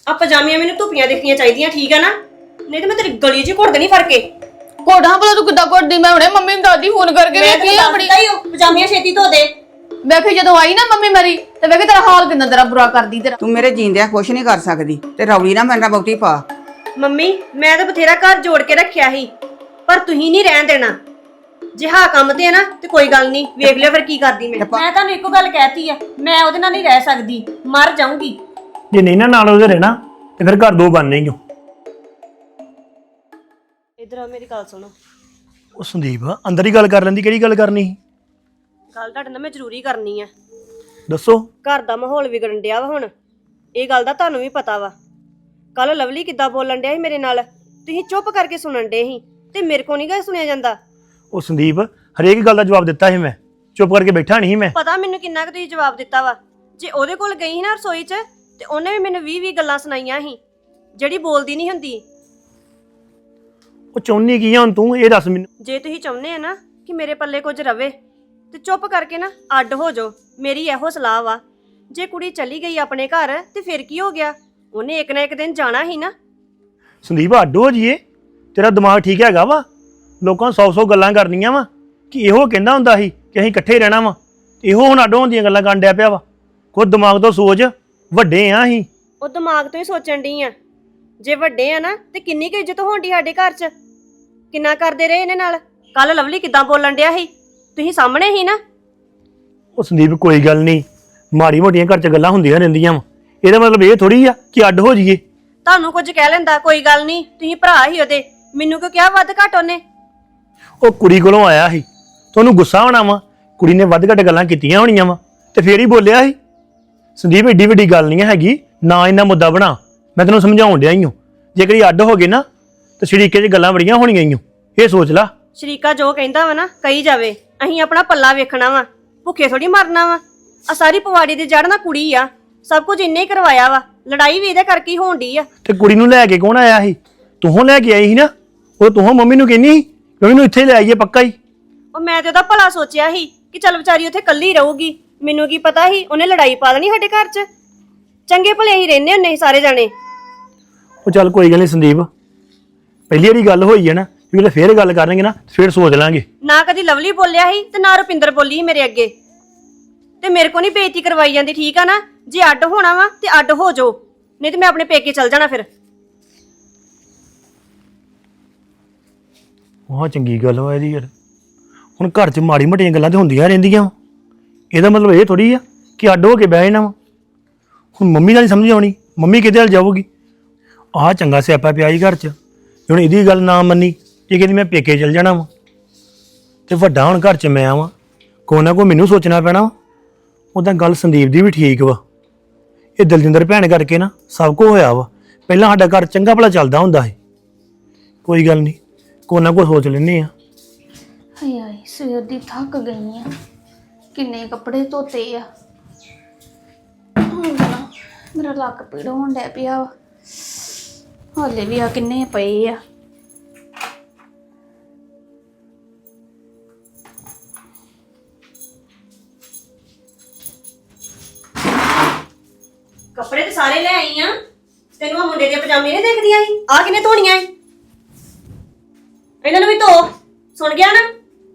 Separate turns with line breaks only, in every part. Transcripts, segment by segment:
ਆ ਪਜਾਮੀਆਂ ਮੈਨੂੰ ਧੁੱਪੀਆਂ ਦਿਖਣੀਆਂ ਚਾਹੀਦੀਆਂ, ਠੀਕ ਆ ਨਾ? ਨਹੀਂ ਤੇ ਮੈਂ ਤੇਰੀ ਗਲੀ 'ਚ ਘੁੱਟ ਦੇਣੀ ਫੜ ਕੇ।
ਕੋੜਾਂ ਭਲਾ ਤੂੰ ਕਿੱਦਾਂ ਘੁੱਟਦੀ? ਮੈਂ ਹੁਣੇ ਮੰਮੀ ਨੂੰ ਦਾਦੀ ਫੋਨ ਕਰਕੇ ਵੇਖੀ ਆਪਣੀ
ਪਜਾਮੀਆਂ ਛੇਤੀ ਧੋ ਦੇ।
ਵੇਖੀ ਜਦੋਂ ਆਈ ਨਾ ਮੰਮੀ ਮੇਰੀ ਤੇ ਵੇਖੀ ਤੇਰਾ ਹਾਲ ਕਿੰਨਾ ਤੇਰਾ ਬੁਰਾ ਕਰਦੀ ਤੇਰਾ।
ਤੂੰ ਮੇਰੇ ਜੀਂਦਿਆਂ ਕੁਛ ਨਹੀਂ ਕਰ ਸਕਦੀ ਤੇ ਰੌਲੀ ਨਾ ਮੇਰੇ ਨਾਲ ਬਹੁਤੀ ਪਾ।
ਮੰਮੀ ਮੈਂ ਤਾਂ ਬਥੇਰਾ ਘਰ ਜੋੜ ਕੇ ਰੱਖਿਆ ਸੀ, ਪਰ ਤੁਸੀਂ ਨਹੀਂ ਰਹਿਣ ਦੇਣਾ। ਜੇ ਹਾਂ ਕੰਮ ਤੇ ਆ ਨਾ ਤੇ ਕੋਈ ਗੱਲ ਨਹੀਂ, ਵੇਖ ਲਿਓ ਫਿਰ ਕੀ ਕਰਦੀ ਮੈਂ ਤੁਹਾਨੂੰ ਇੱਕੋ ਗੱਲ ਕਹਿਤੀ ਆ, ਮੈਂ ਉਹਦੇ ਨਾਲ ਨਹੀਂ ਰਹਿ ਸਕਦੀ, ਮਰ ਜਾਊਂਗੀ।
ਜੇ ਨਹੀਂ ਨਾ ਨਾਲ ਉਹਦੇ ਰਹਿਣਾ ਤੇ ਫਿਰ ਘਰ ਦੋ ਬਣਨੇ ਹੀ ਹੋ।
ਇਧਰ ਆ ਮੇਰੀ ਗੱਲ ਸੁਣੋ।
ਉਹ ਸੰਦੀਪ ਅੰਦਰ ਹੀ ਗੱਲ ਕਰ ਲੈਂਦੀ, ਕਿਹੜੀ ਗੱਲ ਕਰਨੀ ਸੀ?
ਗੱਲ ਤੁਹਾਡੇ ਨਾਲ ਮੈਂ ਜ਼ਰੂਰੀ ਕਰਨੀ ਆ।
ਦੱਸੋ।
ਘਰ ਦਾ ਮਾਹੌਲ ਵਿਗੜਨ ਡਿਆ ਵਾ ਹੁਣ, ਇਹ ਗੱਲ ਦਾ ਤੁਹਾਨੂੰ ਵੀ ਪਤਾ ਵਾ। ਕੱਲ ਲਵਲੀ ਕਿੱਦਾਂ ਬੋਲਣ ਡਿਆ ਸੀ ਮੇਰੇ ਨਾਲ, ਤੁਸੀਂ ਚੁੱਪ ਕਰਕੇ ਸੁਣਨ ਡੇ ਸੀ ਤੇ ਮੇਰੇ ਕੋ ਨਹੀਂ ਗਾ ਸੁਣਿਆ ਜਾਂਦਾ।
ਉਹ ਸੰਦੀਪ ਹਰੇਕ ਗੱਲ ਦਾ ਜਵਾਬ ਦਿੱਤਾ ਸੀ, ਮੈਂ ਚੁੱਪ ਕਰਕੇ ਬੈਠਾ ਨਹੀਂ ਮੈਂ।
ਪਤਾ ਮੈਨੂੰ ਕਿੰਨਾ ਕੁ ਤੁਸੀਂ ਜਵਾਬ ਦਿੱਤਾ ਵਾ। ਜੇ ਉਹਦੇ ਕੋਲ ਗਈ ਸੀ ਨਾ ਰਸੋਈ 'ਚ ਤੇ ਉਹਨੇ ਵੀ ਮੈਨੂੰ 20 ਗੱਲਾਂ ਸੁਣਾਈਆਂ ਸੀ ਜਿਹੜੀ ਬੋਲਦੀ ਨਹੀਂ ਹੁੰਦੀ।
ਉਹ ਚਾਹੁੰਦੀ ਕੀ ਆ ਹੁਣ ਤੂੰ, ਇਹ ਦੱਸ ਮੈਨੂੰ।
ਜੇ ਤੁਸੀਂ ਚਾਹੁੰਦੇ ਆ ਨਾ ਕਿ ਮੇਰੇ ਪੱਲੇ ਕੁਝ ਰਵੇ ਤੇ ਚੁੱਪ ਕਰਕੇ ਨਾ ਅੱਡ ਹੋ ਜਾਓ, ਮੇਰੀ ਇਹੋ ਸਲਾਹ ਵਾ। ਜੇ ਕੁੜੀ ਚਲੀ ਗਈ ਆਪਣੇ ਘਰ ਤੇ ਫਿਰ ਕੀ ਹੋ ਗਿਆ, ਉਹਨੇ ਇੱਕ ਨਾ ਇੱਕ ਦਿਨ ਜਾਣਾ ਹੀ ਨਾ।
ਸੰਦੀਪ ਅੱਡ ਹੋ ਜੀਏ, ਤੇਰਾ ਦਿਮਾਗ ਠੀਕ ਹੈਗਾ ਵਾ? ਲੋਕਾਂ 100 ਗੱਲਾਂ ਕਰਨੀਆਂ ਵਾ ਕਿ ਇਹੋ ਕਹਿੰਦਾ ਹੁੰਦਾ ਸੀ ਕਿ ਅਸੀਂ ਇਕੱਠੇ ਰਹਿਣਾ ਵਾ, ਇਹੋ ਹੁਣ ਅੱਡ ਹੋਣ ਦੀਆਂ ਗੱਲਾਂ ਕਰਨ ਡਿਆ ਪਿਆ ਵਾ। ਕੋਈ ਦਿਮਾਗ ਤੋਂ ਸੋਚ, ਵੱਡੇ ਆ ਅਸੀਂ।
ਉਹ ਦਿਮਾਗ ਤੋਂ ਹੀ ਸੋਚਣ ਡਈ ਆ। ਜੇ ਵੱਡੇ ਆ ਨਾ ਤੇ ਕਿੰਨੀ ਕੁ ਇੱਜ਼ਤ ਹੋਣ ਡਈ ਸਾਡੇ ਘਰ 'ਚ, ਕਿੰਨਾ ਕਰਦੇ ਰਹੇ ਇਹਨੇ ਨਾਲ। ਕੱਲ ਲਵਲੀ ਕਿੱਦਾਂ ਬੋਲਣ ਡਿਆ ਸੀ, ਤੁਸੀਂ ਸਾਹਮਣੇ ਹੀ ਨਾ।
ਉਹ ਸੰਦੀਪ ਕੋਈ ਗੱਲ ਨਹੀਂ, ਮਾੜੀ ਮੋਟੀਆਂ ਘਰ 'ਚ ਗੱਲਾਂ ਹੁੰਦੀਆਂ ਰਹਿੰਦੀਆਂ ਵਾ, ਇਹਦਾ ਮਤਲਬ ਇਹ ਥੋੜੀ ਆ ਕਿ ਅੱਡ ਹੋ ਜਾਈਏ।
ਤੁਹਾਨੂੰ ਕੁਝ ਕਹਿ ਲੈਂਦਾ ਕੋਈ ਗੱਲ ਨਹੀਂ, ਤੁਸੀਂ ਭਰਾ ਹੀ ਉਹਦੇ, ਮੈਨੂੰ ਕਿਉਂ ਕਿਹਾ ਵੱਧ ਘੱਟ ਉਹਨੇ?
ਉਹ ਕੁੜੀ ਕੋਲੋਂ ਆਇਆ ਸੀ ਤੇ ਉਹਨੂੰ ਗੁੱਸਾ ਹੋਣਾ ਵਾ, ਕੁੜੀ ਨੇ ਵੱਧ ਘੱਟ ਗੱਲਾਂ ਕੀਤੀਆਂ ਹੋਣੀਆਂ ਵਾ ਤੇ ਫੇਰ ਹੀ ਬੋਲਿਆ ਸੀ। ਸੰਦੀਪ ਏਡੀ ਵੱਡੀ ਗੱਲ ਨਹੀਂ ਹੈਗੀ, ਨਾ ਇੰਨਾ ਮੁੱਦਾ ਬਣਾ। ਮੈਂ ਤੈਨੂੰ ਸਮਝਾਉਣ ਡਿਆ ਹੀ ਹਾਂ, ਜੇ ਕਦੀ ਅੱਡ ਹੋ ਗਏ ਨਾ ਤੇ ਸ਼ਰੀਕੇ 'ਚ ਗੱਲਾਂ ਬੜੀਆਂ ਹੋਣੀਆਂ ਹੀ, ਇਹ ਸੋਚ ਲਾ।
ਸ਼ਰੀਕਾ ਜੋ ਕਹਿੰਦਾ ਵਾ ਨਾ ਕਹੀ ਜਾਵੇ, ਅਸੀਂ ਆਪਣਾ ਪੱਲਾ ਵੇਖਣਾ ਵਾ, ਭੁੱਖੇ ਥੋੜੀ ਮਰਨਾ ਵਾ। ਆ ਸਾਰੀ ਪਵਾੜੀ ਦੀ ਜੜ ਨਾ ਕੁੜੀ ਆ, ਸਭ ਕੁਝ ਇੰਨੇ ਹੀ ਕਰਵਾਇਆ ਵਾ। ਲੜਾਈ ਵੀ ਇਹਦੇ ਕਰਕੇ ਹੀ ਹੋਣ ਡਈ ਆ।
ਤੇ ਕੁੜੀ ਨੂੰ ਲੈ ਕੇ ਕੌਣ ਆਇਆ ਸੀ? ਤੂੰ ਲੈ ਕੇ ਆਈ ਸੀ ਨਾ। ਉਹ ਤੂੰ ਮੰਮੀ ਨੂੰ ਕਹਿੰਦੀ ਸੀ ਕਿ ਉਹਨੂੰ ਇੱਥੇ ਲੈ ਆਈਏ ਪੱਕਾ ਹੀ।
ਉਹ ਮੈਂ ਤੇ ਉਹਦਾ ਭਲਾ ਸੋਚਿਆ ਸੀ ਕਿ ਚੱਲ ਵਿਚਾਰੀ ਉੱਥੇ ਕੱਲੀ ਰਹੂਗੀ, ਮੈਨੂੰ ਕੀ ਪਤਾ ਸੀ ਉਹਨੇ ਲੜਾਈ ਪਾ ਦੇਣੀ ਸਾਡੇ ਘਰ 'ਚ। ਚੰਗੇ ਭਲੇ ਹੀ ਰਹਿੰਦੇ ਹੁੰਦੇ ਸੀ ਸਾਰੇ ਜਾਣੇ।
ਉਹ ਚੱਲ ਕੋਈ ਗੱਲ ਨਹੀਂ ਸੰਦੀਪ, ਪਹਿਲੀ ਵਾਰੀ ਗੱਲ ਹੋਈ ਹੈ ਨਾ, ਜੇ ਫੇਰ ਗੱਲ ਕਰਾਂਗੇ ਨਾ ਫੇਰ ਸੋਚ ਲਾਂਗੇ।
ਨਾ ਕਦੀ ਲਵਲੀ ਬੋਲਿਆ ਸੀ ਤੇ ਨਾ ਰੁਪਿੰਦਰ ਬੋਲੀ ਸੀ ਮੇਰੇ ਅੱਗੇ, ਤੇ ਮੇਰੇ ਕੋ ਨਹੀਂ ਬੇਇੱਜ਼ਤੀ ਕਰਵਾਈ ਜਾਂਦੀ, ਠੀਕ ਆ ਨਾ? ਜੇ ਅੱਡ ਹੋਣਾ ਵਾ ਤੇ ਅੱਡ ਹੋ ਜਾਓ, ਨਹੀਂ ਤੇ ਮੈਂ ਆਪਣੇ ਪੇਕੇ ਚਲ ਜਾਣਾ ਫਿਰ।
ਵਾਹ ਚੰਗੀ ਗੱਲ ਹੋਇਆ ਇਹਦੀ ਯਾਰ। ਹੁਣ ਘਰ 'ਚ ਮਾੜੀ ਮੋਟੀਆਂ ਗੱਲਾਂ ਤੇ ਹੁੰਦੀਆਂ ਰਹਿੰਦੀਆਂ, ਇਹਦਾ ਮਤਲਬ ਇਹ ਥੋੜੀ ਆ ਕਿ ਅੱਡ ਹੋ ਕੇ ਬਹਿ ਜਾਣਾ ਵਾ। ਹੁਣ ਮੰਮੀ ਦਾ ਨਹੀਂ ਸਮਝ ਆਉਣੀ, ਮੰਮੀ ਕਿਹਦੇ ਨਾਲ ਜਾਊਗੀ? ਆਹ ਚੰਗਾ ਸਿਆਪਾ ਪਿਆ ਹੀ ਘਰ 'ਚ। ਹੁਣ ਇਹਦੀ ਗੱਲ ਨਾ ਮੰਨੀ, ਇਹ ਕਹਿੰਦੀ ਮੈਂ ਪੇਕੇ ਚਲ ਜਾਣਾ ਵਾ, ਤੇ ਵੱਡਾ ਹੁਣ ਘਰ 'ਚ ਮੈਂ ਆਵਾਂ, ਕੋਈ ਨਾ ਕੋਈ ਮੈਨੂੰ ਸੋਚਣਾ ਪੈਣਾ ਵਾ। ਉਹਦਾ ਗੱਲ ਸੰਦੀਪ ਦੀ ਵੀ ਠੀਕ ਵਾ, ਇਹ ਦਲਜਿੰਦਰ ਭੈਣ ਕਰਕੇ ਨਾ ਸਭ ਕੁਝ ਹੋਇਆ ਵਾ। ਪਹਿਲਾਂ ਸਾਡਾ ਘਰ ਚੰਗਾ ਭਲਾ ਚੱਲਦਾ ਹੁੰਦਾ ਸੀ। ਕੋਈ ਗੱਲ ਨਹੀਂ, ਕੋਈ ਨਾ ਕੋਈ ਸੋਚ ਲੈਂਦੇ ਆ।
ਹਾਏ ਹਾਏ ਸਵੇਰ ਦੀ ਥੱਕ ਗਈ ਆ, ਕਿੰਨੇ ਕੱਪੜੇ ਧੋਤੇ ਆ। ਮੇਰਾ ਲੱਕ ਪੀੜ ਹੋਣ ਡਿਆ ਪਿਆ ਵਾ, ਹਾਲੇ ਵੀ ਆ ਕਿੰਨੇ ਪਏ ਆ।
ਕੱਪੜੇ ਤੇ ਸਾਰੇ ਲੈ ਆਈ ਆ, ਤੈਨੂੰ ਆ ਮੁੰਡੇ ਦੀਆਂ ਪਜਾਮੇ ਨਹੀਂ ਦੇਖਦੀਆਂ ਸੀ? ਆ ਕਿਨੇ ਧੋਣੀਆਂ ਸੀ? ਇਹਨਾਂ ਨੂੰ ਵੀ ਧੋ। ਸੁਣ ਗਿਆ ਨਾ?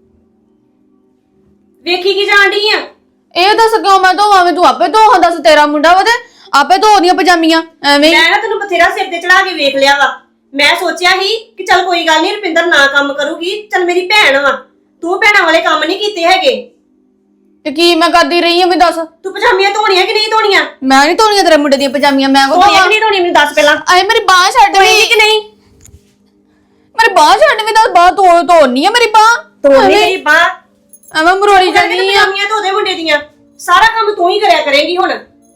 ਵੇਖੀ ਕੀ ਜਾਣ ਡਈ ਆ?
ਇਹ ਦੱਸ ਕਿਉਂ ਮੈਂ ਧੋਵਾਂ? ਮੈਂ ਤੂੰ ਆਪੇ ਧੋ। ਦੱਸ ਤੇਰਾ ਮੁੰਡਾ ਵਾ ਤੇ ਆਪੇ ਧੋ ਦੀਆਂ ਪਜਾਮੀਆਂ ਐਵੇਂ।
ਮੈਂ ਨਾ ਤੈਨੂੰ ਬਥੇਰਾ ਸਿਰ ਤੇ ਚੜਾ ਕੇ ਵੇਖ ਲਿਆ ਵਾ। ਮੈਂ ਸੋਚਿਆ ਸੀ ਕਿ ਚੱਲ ਕੋਈ ਗੱਲ ਨਹੀਂ, ਰੁਪਿੰਦਰ ਨਾ ਕੰਮ ਕਰੂਗੀ, ਚੱਲ ਮੇਰੀ ਭੈਣ ਵਾ, ਤੂੰ ਭੈਣਾਂ ਵਾਲੇ ਕੰਮ ਨਹੀਂ ਕੀਤੇ ਹੈਗੇ।
ਤੇ ਕੀ ਮੈਂ ਕਰਦੀ ਰਹੀ ਆ? ਮੈਂ ਦੱਸ,
ਤੂੰ ਪਜਾਮੀਆਂ ਧੋਣੀਆਂ ਕਿ ਨਹੀਂ ਧੋਣੀਆਂ?
ਮੈਂ ਨਹੀਂ ਧੋਣੀਆਂ ਤੇਰੇ ਮੁੰਡੇ ਦੀਆਂ ਪਜਾਮੀਆਂ। ਮੈਂ ਕੋ
ਧੋਣੀਆਂ ਕਿ ਨਹੀਂ ਧੋਣੀਆਂ ਮੈਨੂੰ ਦੱਸ ਪਹਿਲਾਂ।
ਆਏ ਮੇਰੀ ਬਾਹ ਛੱਡ ਵੀ
ਕਿ ਨਹੀਂ?
ਮੇਰੀ ਬਾਹ ਛੱਡ ਵੀ, ਦੱਸ ਬਾਹ ਧੋਣੀ ਆ ਮੇਰੀ ਬਾਹ?
ਧੋਣੀ ਮੇਰੀ ਬਾਹ
ਐਵੇਂ ਮਰੋੜੀ ਜਾਂਦੀ ਆ।
ਪਜਾਮੀਆਂ ਧੋ ਦੇ ਮੁੰਡੇ ਦੀਆਂ, ਸਾਰਾ ਕੰਮ ਤੂੰ ਹੀ ਕਰਿਆ ਕਰੇਂਗੀ ਹੁਣ।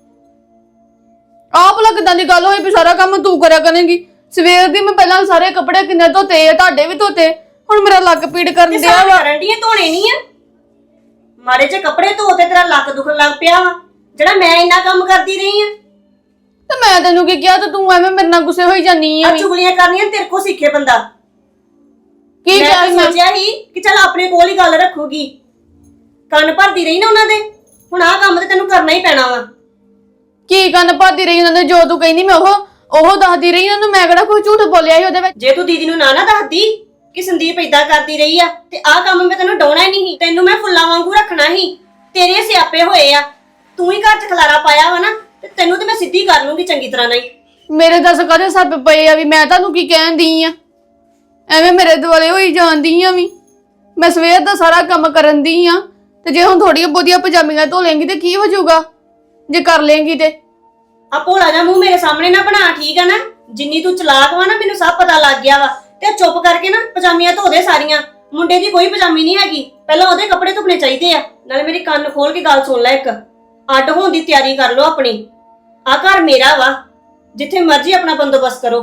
ਆਪ ਲਾ ਕਿਦਾਂ ਦੀ ਗੱਲ ਹੋਈ ਵੀ ਸਾਰਾ ਕੰਮ ਤੂੰ ਕਰਿਆ ਕਰੇਂਗੀ? ਸਵੇਰ ਦੀ ਮੈਂ ਪਹਿਲਾਂ ਸਾਰੇ ਕੱਪੜੇ ਕਿੰਨੇ ਧੋਤੇ ਆ, ਤੁਹਾਡੇ ਵੀ ਧੋਤੇ, ਹੁਣ ਮੇਰਾ ਲੱਕ ਪੀੜ ਕਰਨ ਡਿਆ ਵਾ।
ਕਰਨ ਦੀਆਂ ਧੋਣੇ ਨਹੀਂ ਆ, ਮਾਰੇ ਜੇ ਕੱਪੜੇ ਧੋ ਤੇ ਤੇਰਾ ਲੱਕ ਦੁਖਣ ਲੱਗ ਪਿਆ ਵਾ, ਜਿਹੜਾ ਮੈਂ ਇੰਨਾ ਕੰਮ ਕਰਦੀ ਰਹੀ ਆ।
ਤੇ ਮੈਂ ਤੈਨੂੰ ਕੀ ਕਿਹਾ ਤੇ ਤੂੰ ਐਵੇਂ ਮੇਰੇ ਨਾਲ ਗੁੱਸੇ ਹੋਈ ਜਾਨੀ ਆ?
ਚੁਗਲੀਆਂ ਕਰਨੀਆਂ ਤੇਰੇ ਕੋ ਸਿੱਖੇ ਬੰਦਾ।
ਕੀ ਕਿਹਾ
ਮੈਂ ਸੋਚਿਆ ਸੀ ਕਿ ਚੱਲ ਆਪਣੇ ਕੋਲ ਹੀ ਗੱਲ ਰੱਖੂਗੀ, ਕੰਨ ਭਰਦੀ ਰਹੀ ਨਾ ਉਹਨਾਂ ਦੇ। ਹੁਣ ਆਹ ਕੰਮ ਤੇ ਤੈਨੂੰ ਕਰਨਾ ਹੀ ਪੈਣਾ ਵਾ।
ਕੀ ਕੰਨ ਭਰਦੀ ਰਹੀ ਉਹਨਾਂ ਦੇ? ਜੋ ਤੂੰ ਕਹਿੰਦੀ ਮੈਂ ਉਹ ਦੱਸਦੀ ਰਹੀ ਉਹਨੂੰ, ਮੈਂ ਕਿਹੜਾ ਕੋਈ ਝੂਠ ਬੋਲਿਆ ਸੀ ਉਹਦੇ ਵਿੱਚ।
ਜੇ ਤੂੰ ਦੀਦੀ ਨੂੰ ਨਾ ਦੱਸਦੀ ਕਿ ਸੰਦੀਪ ਏਦਾਂ ਕਰਦੀ ਰਹੀ ਆ ਤੇ ਆਹ ਕੰਮ ਮੈਂ ਤੈਨੂੰ ਡਾਉਣਾ ਹੀ ਨਹੀਂ ਸੀ। ਤੈਨੂੰ ਮੈਂ ਫੁੱਲਾਂ ਵਾਂਗੂ ਰੱਖਣਾ ਸੀ। ਤੇਰੇ ਸਿਆਪੇ ਹੋਏ ਆ, ਤੂੰ ਹੀ ਘਰ 'ਚ ਖਲਾਰਾ ਪਾਇਆ ਵਾ ਨਾ, ਤੇ ਤੈਨੂੰ ਤੇ ਮੈਂ ਸਿੱਧੀ ਕਰ ਲੂੰਗੀ ਚੰਗੀ ਤਰ੍ਹਾਂ ਨਾਲ ਹੀ।
ਮੇਰੇ ਦੱਸ ਕਦੇ ਸੱਪ ਪਏ ਆ ਵੀ ਮੈਂ ਤੁਹਾਨੂੰ ਕੀ ਕਹਿੰਦੀ ਆ? ਐਵੇਂ ਮੇਰੇ ਦੁਆਲੇ ਹੋਈ ਜਾਂਦੀ ਆ ਵੀ। ਮੈਂ ਸਵੇਰ ਦਾ ਸਾਰਾ ਕੰਮ ਕਰਨ ਦੀ ਆ, ਤੇ ਜੇ ਹੁਣ ਥੋੜੀਆਂ ਬਹੁਤੀਆਂ ਪਜਾਮੀਆਂ ਧੋ ਲੇਂਗੀ ਤੇ ਕੀ ਹੋ ਜਾਊਗਾ ਜੇ ਕਰ ਲੇਂਗੀ ਤੇ?
ਆ ਭੋਲਾ ਜਾ ਮੂੰਹ ਮੇਰੇ ਸਾਹਮਣੇ ਨਾ ਬਣਾ, ਠੀਕ ਆ ਨਾ? ਜਿੰਨੀ ਤੂੰ ਚਲਾਕ ਵਾ ਨਾ, ਮੈਨੂੰ ਸਭ ਪਤਾ ਲੱਗ ਗਿਆ ਵਾ। ਤੇ ਚੁੱਪ ਕਰਕੇ ਨਾ ਪਜਾਮੀਆਂ ਧੋ ਦੇ ਸਾਰੀਆਂ। ਮੁੰਡੇ ਦੀ ਕੋਈ ਪਜਾਮੀ ਨਹੀਂ ਹੈਗੀ, ਪਹਿਲਾਂ ਉਹਦੇ ਕੱਪੜੇ ਧੁੱਪਣੇ ਚਾਹੀਦੇ ਆ। ਨਾਲੇ ਮੇਰੀ ਕੰਨ ਖੋਲ ਕੇ ਗੱਲ ਸੁਣ ਲੈ, ਇੱਕ ਅੱਡ ਹੋਣ ਦੀ ਤਿਆਰੀ ਕਰ ਲਓ ਆਪਣੀ। ਆ ਘਰ ਮੇਰਾ ਵਾ, ਜਿੱਥੇ ਮਰਜ਼ੀ ਆਪਣਾ ਬੰਦੋਬਸਤ ਕਰੋ।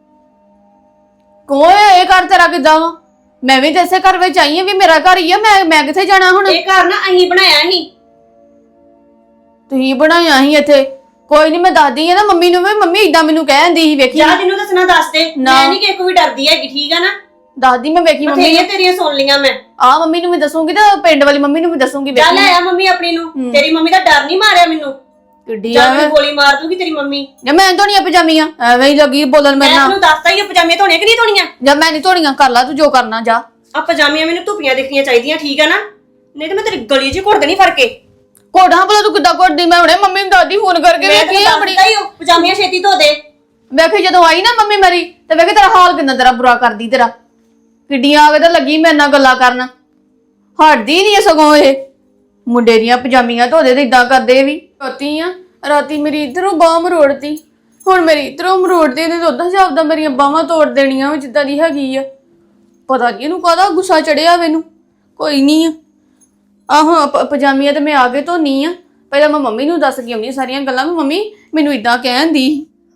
ਕੋਏ ਇਹ ਘਰ ਤੇਰਾ ਕਿੱਦਾਂ ਵਾ? ਮੈਂ ਵੀ ਤੇ ਇਸੇ ਘਰ ਵਿੱਚ ਆਈ ਆ, ਵੀ ਮੇਰਾ ਘਰ ਹੀ ਆ। ਮੈਂ ਕਿੱਥੇ ਜਾਣਾ ਹੁਣ?
ਇਹ ਘਰ ਨਾ ਅਸੀਂ ਬਣਾਇਆ ਸੀ।
ਤੁਸੀਂ ਬਣਾਇਆ ਸੀ ਇੱਥੇ? ਕੋਈ ਨਹੀਂ, ਮੈਂ ਦੱਸਦੀ ਆ ਨਾ ਮੰਮੀ ਨੂੰ ਵੀ। ਮੰਮੀ ਇਦਾਂ ਮੈਨੂੰ ਕਹਿੰਦੀ ਸੀ, ਵੇਖੀ
ਜਾਂ ਜਿਹਨੂੰ ਦੱਸਣਾ ਦੱਸ ਦੇ, ਮੈਂ ਨਹੀਂ ਕਿਸੇ ਕੋਈ ਡਰਦੀ ਹੈਗੀ, ਠੀਕ ਆ ਨਾ?
ਦੱਸਦੀ ਮੈਂ, ਵੇਖੀ ਮੰਮੀ
ਬਥੇਰੀਆਂ ਤੇਰੀਆਂ ਸੁਣ ਲੀਆਂ ਮੈਂ।
ਆ ਮੰਮੀ ਨੂੰ ਵੀ ਦੱਸੂਗੀ ਤੇ ਪਿੰਡ ਵਾਲੀ ਮੰਮੀ ਨੂੰ ਵੀ ਦੱਸੂਗੀ।
ਜਾ
ਵੇਖੀ
ਲੈ ਆ ਮੰਮੀ ਆਪਣੀ ਨੂੰ, ਤੇਰੀ ਮੰਮੀ ਦਾ ਡਰ ਨਹੀਂ ਮਾਰਿਆ ਮੈਨੂੰ।
ਕਿੱਡੀ
ਜਾਂ ਮੈਨੂੰ ਗੋਲੀ ਮਾਰ ਦੂਗੀ ਤੇਰੀ ਮੰਮੀ।
ਜਾਂ ਮੈਂ ਨੀ ਧੋਣੀਆਂ ਪਜਾਮੀਆਂ, ਐਵੇਂ ਹੀ ਲੱਗੀ ਬੋਲਣ ਮੇਰੇ
ਮੈਂ
ਨਾਲ।
ਤੈਨੂੰ ਦੱਸਤਾ ਹੀ ਆ ਪਜਾਮੇ ਧੋਣੇ ਕਿ ਨਹੀਂ ਧੋਣੀਆਂ।
ਜਾਂ ਮੈਂ ਨਹੀਂ ਧੋਣੀਆਂ, ਕਰ ਲਾ ਤੂੰ ਜੋ ਕਰਨਾ, ਜਾ।
ਆ ਪਜਾਮੀਆਂ ਮੈਨੂੰ ਧੁੱਪੀਆਂ ਦਿਖਣੀਆਂ ਚਾਹੀਦੀਆਂ, ਠੀਕ ਆ ਨਾ? ਨਹੀਂ ਤੇ ਮੈਂ ਤੇਰੀ ਗਲੀ 'ਚ ਘੁੱਟ ਦੇਣੀ ਫੜ ਕੇ।
ਕੋਡਾਂ ਭਲਾ ਤੂੰ ਕਿੱਦਾਂ ਕੋਡਦੀ? ਮੈਂ ਹੁਣੇ ਮੰਮੀ ਨੂੰ ਦਾਦੀ ਫੋਨ ਕਰਕੇ
ਮੈਂ
ਵੇਖੀ
ਤੈਨੂੰ
ਆਪਣੀ।
ਦੱਸਤਾ ਹੀ ਉਹ ਪਜਾਮੀਆਂ ਛੇਤੀ ਧੋ ਦੇ।
ਵੇਖੀ ਜਦੋਂ ਆਈ ਨਾ ਮੰਮੀ ਮੇਰੀ, ਤੇ ਵੇਖੀ ਤੇਰਾ ਹਾਲ ਕਿੰਨਾ ਤੇਰਾ ਬੁਰਾ ਕਰਦੀ। ਤੇਰਾ ਕਿੱਡੀਆਂ ਆ ਕੇ ਤਾਂ ਲੱਗੀ ਮੇਰੇ ਨਾਲ ਗੱਲਾਂ ਕਰਨ, ਹਟਦੀ ਨਹੀਂ ਸਗੋਂ ਇਹ। ਮੁੰਡੇ ਦੀਆਂ ਪਜਾਮੀਆਂ ਧੋਦੇ ਤੇ ਇਦਾਂ ਕਰਦੇ ਵੀ। ਰਾਤੀ ਮੇਰੀ ਇਧਰੋਂ ਬਾਹ ਮਰੋੜਤੀ, ਹੁਣ ਮੇਰੀ ਇਧਰੋਂ ਮਰੋੜਦੀ। ਇਹਨੇ ਤਾਂ ਉਦਾਂ ਜਾਪਦਾ ਮੇਰੀਆਂ ਬਾਹਾਂ ਤੋੜ ਦੇਣੀਆਂ ਜਿੱਦਾਂ ਦੀ ਹੈਗੀ ਆ। ਪਤਾ ਨਹੀਂ ਇਹਨੂੰ ਕਾਹਦਾ ਗੁੱਸਾ ਚੜਿਆ ਮੈਨੂੰ। ਕੋਈ ਨਹੀਂ ਆ ਹੁਣ ਪਜਾਮੀਆਂ ਤੇ ਮੈਂ ਆ ਕੇ ਧੋਨੀ ਆ। ਪਹਿਲਾਂ ਮੈਂ ਮੰਮੀ ਨੂੰ ਦੱਸ ਕੇ ਆਉਂਦੀ ਸਾਰੀਆਂ ਗੱਲਾਂ ਵੀ ਮੰਮੀ ਮੈਨੂੰ ਇਦਾਂ ਕਹਿੰਦੀ।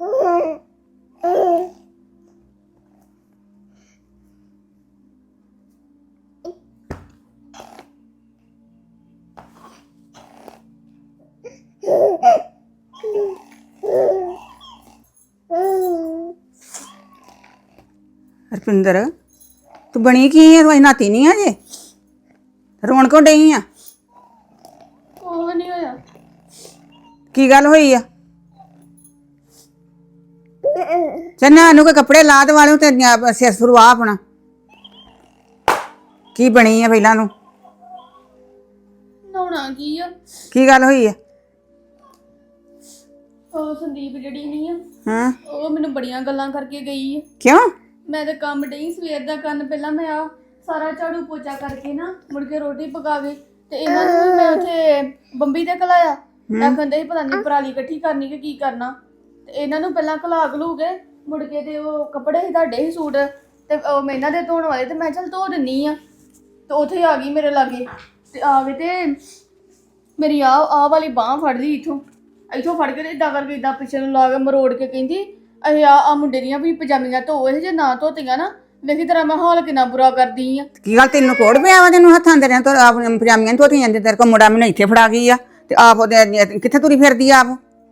ਰਪਿੰਦਰ, ਤੂੰ ਬਣੀ ਕੀ ਹੈ? ਤੂੰ ਅਜੇ ਨਾਤੀ ਨਹੀਂ ਆ ਜੇ, ਰੋਣ ਕਿਉਂ ਡਈ ਆ?
ਉਹ ਨਹੀਂ ਹੋਇਆ।
ਕੀ ਗੱਲ ਹੋਈ ਆ? ਚੰਨਾ ਨੂੰ ਕੋਈ ਕੱਪੜੇ ਲਾ ਦੇ ਵਾਲਿਓ ਤੇ ਸਿਰ ਸੁਰਵਾ ਆਪਣਾ। ਕੀ ਬਣੀ ਆ ਪਹਿਲਾਂ ਨੂੰ?
ਨਹਾਉਣਾ ਕੀ ਆ?
ਕੀ ਗੱਲ ਹੋਈ ਆ?
ਉਹ ਸੰਦੀਪ ਜਿਹੜੀ ਨਹੀਂ ਆ,
ਹਾਂ,
ਉਹ ਮੈਨੂੰ ਬੜੀਆਂ ਗੱਲਾਂ ਕਰਕੇ ਗਈ ਆ।
ਕਿਉਂ?
ਮੈਂ ਤਾਂ ਕੰਮ ਡਈ ਸਵੇਰ ਦਾ ਕਰਨ। ਪਹਿਲਾਂ ਮੈਂ ਆ ਸਾਰਾ ਝਾੜੂ ਪੋਚਾ ਕਰਕੇ ਨਾ ਮੁੜ ਕੇ ਰੋਟੀ ਪਕਾਵੇ ਤੇ ਇਹਨਾਂ ਨੂੰ ਵੀ ਮੈਂ ਉੱਥੇ ਬੰਬੀ ਤੇ ਕਲਾਇਆ। ਆਖੰਦੇ ਸੀ ਪਤਾ ਨਹੀਂ ਪਰਾਲੀ ਇਕੱਠੀ ਕਰਨੀ ਕਿ ਕੀ ਕਰਨਾ। ਤੇ ਇਹਨਾਂ ਨੂੰ ਪਹਿਲਾਂ ਕਲਾ ਘਲੂ ਕੇ ਮੁੜ ਕੇ ਤੇ ਉਹ ਕੱਪੜੇ ਸੀ ਤੁਹਾਡੇ ਹੀ ਸੂਟ ਤੇ ਉਹ ਮੈਂ ਇਹਨਾਂ ਦੇ ਧੋਣ ਵਾਲੇ, ਤੇ ਮੈਂ ਚੱਲ ਧੋ ਦਿੰਨੀ ਆ। ਤੇ ਉੱਥੇ ਆ ਗਈ ਮੇਰੇ ਲਾਗੇ ਤੇ ਆ ਗਏ ਤੇ ਮੇਰੀ ਆਹ ਵਾਲੀ ਬਾਂਹ ਫੜ ਲਈ ਇੱਥੋਂ ਫੜ ਕੇ ਤੇ ਇਦਾਂ ਕਰਕੇ ਇਦਾਂ ਪਿੱਛੇ ਨੂੰ ਲਾ ਕੇ ਮਰੋੜ ਕੇ ਕਹਿੰਦੀ ਇਹ ਆ ਮੁੰਡੇ ਦੀਆਂ ਵੀ ਪਜਾਮੀਆਂ ਧੋ, ਇਹ ਜੇ ਨਾ ਧੋਤੀਆਂ ਨਾ ਵੇਖੀ ਤੇਰਾ ਮੈਂ ਹਾਲ ਕਿੰਨਾ ਬੁਰਾ ਕਰਦੀ ਆ।
ਕੀ ਗੱਲ ਤੈਨੂੰ ਕੋੜ ਪਿਆ ਵਾ? ਤੈਨੂੰ ਹੱਥਾਂ ਦੇ ਤੋਂ ਆਪਣੀਆਂ ਪਜਾਮੀਆਂ ਧੋਤੀਆਂ ਜਾਂਦੇ, ਤੇਰੇ ਕੋਲ ਮੁੰਡਾ ਮੈਨੂੰ ਇੱਥੇ ਫੜਾ ਗਈ ਆ ਤੇ ਆਪ ਉਹਦੇ ਕਿੱਥੇ ਤੁਰੀ ਫਿਰਦੀ ਆ? ਆਪ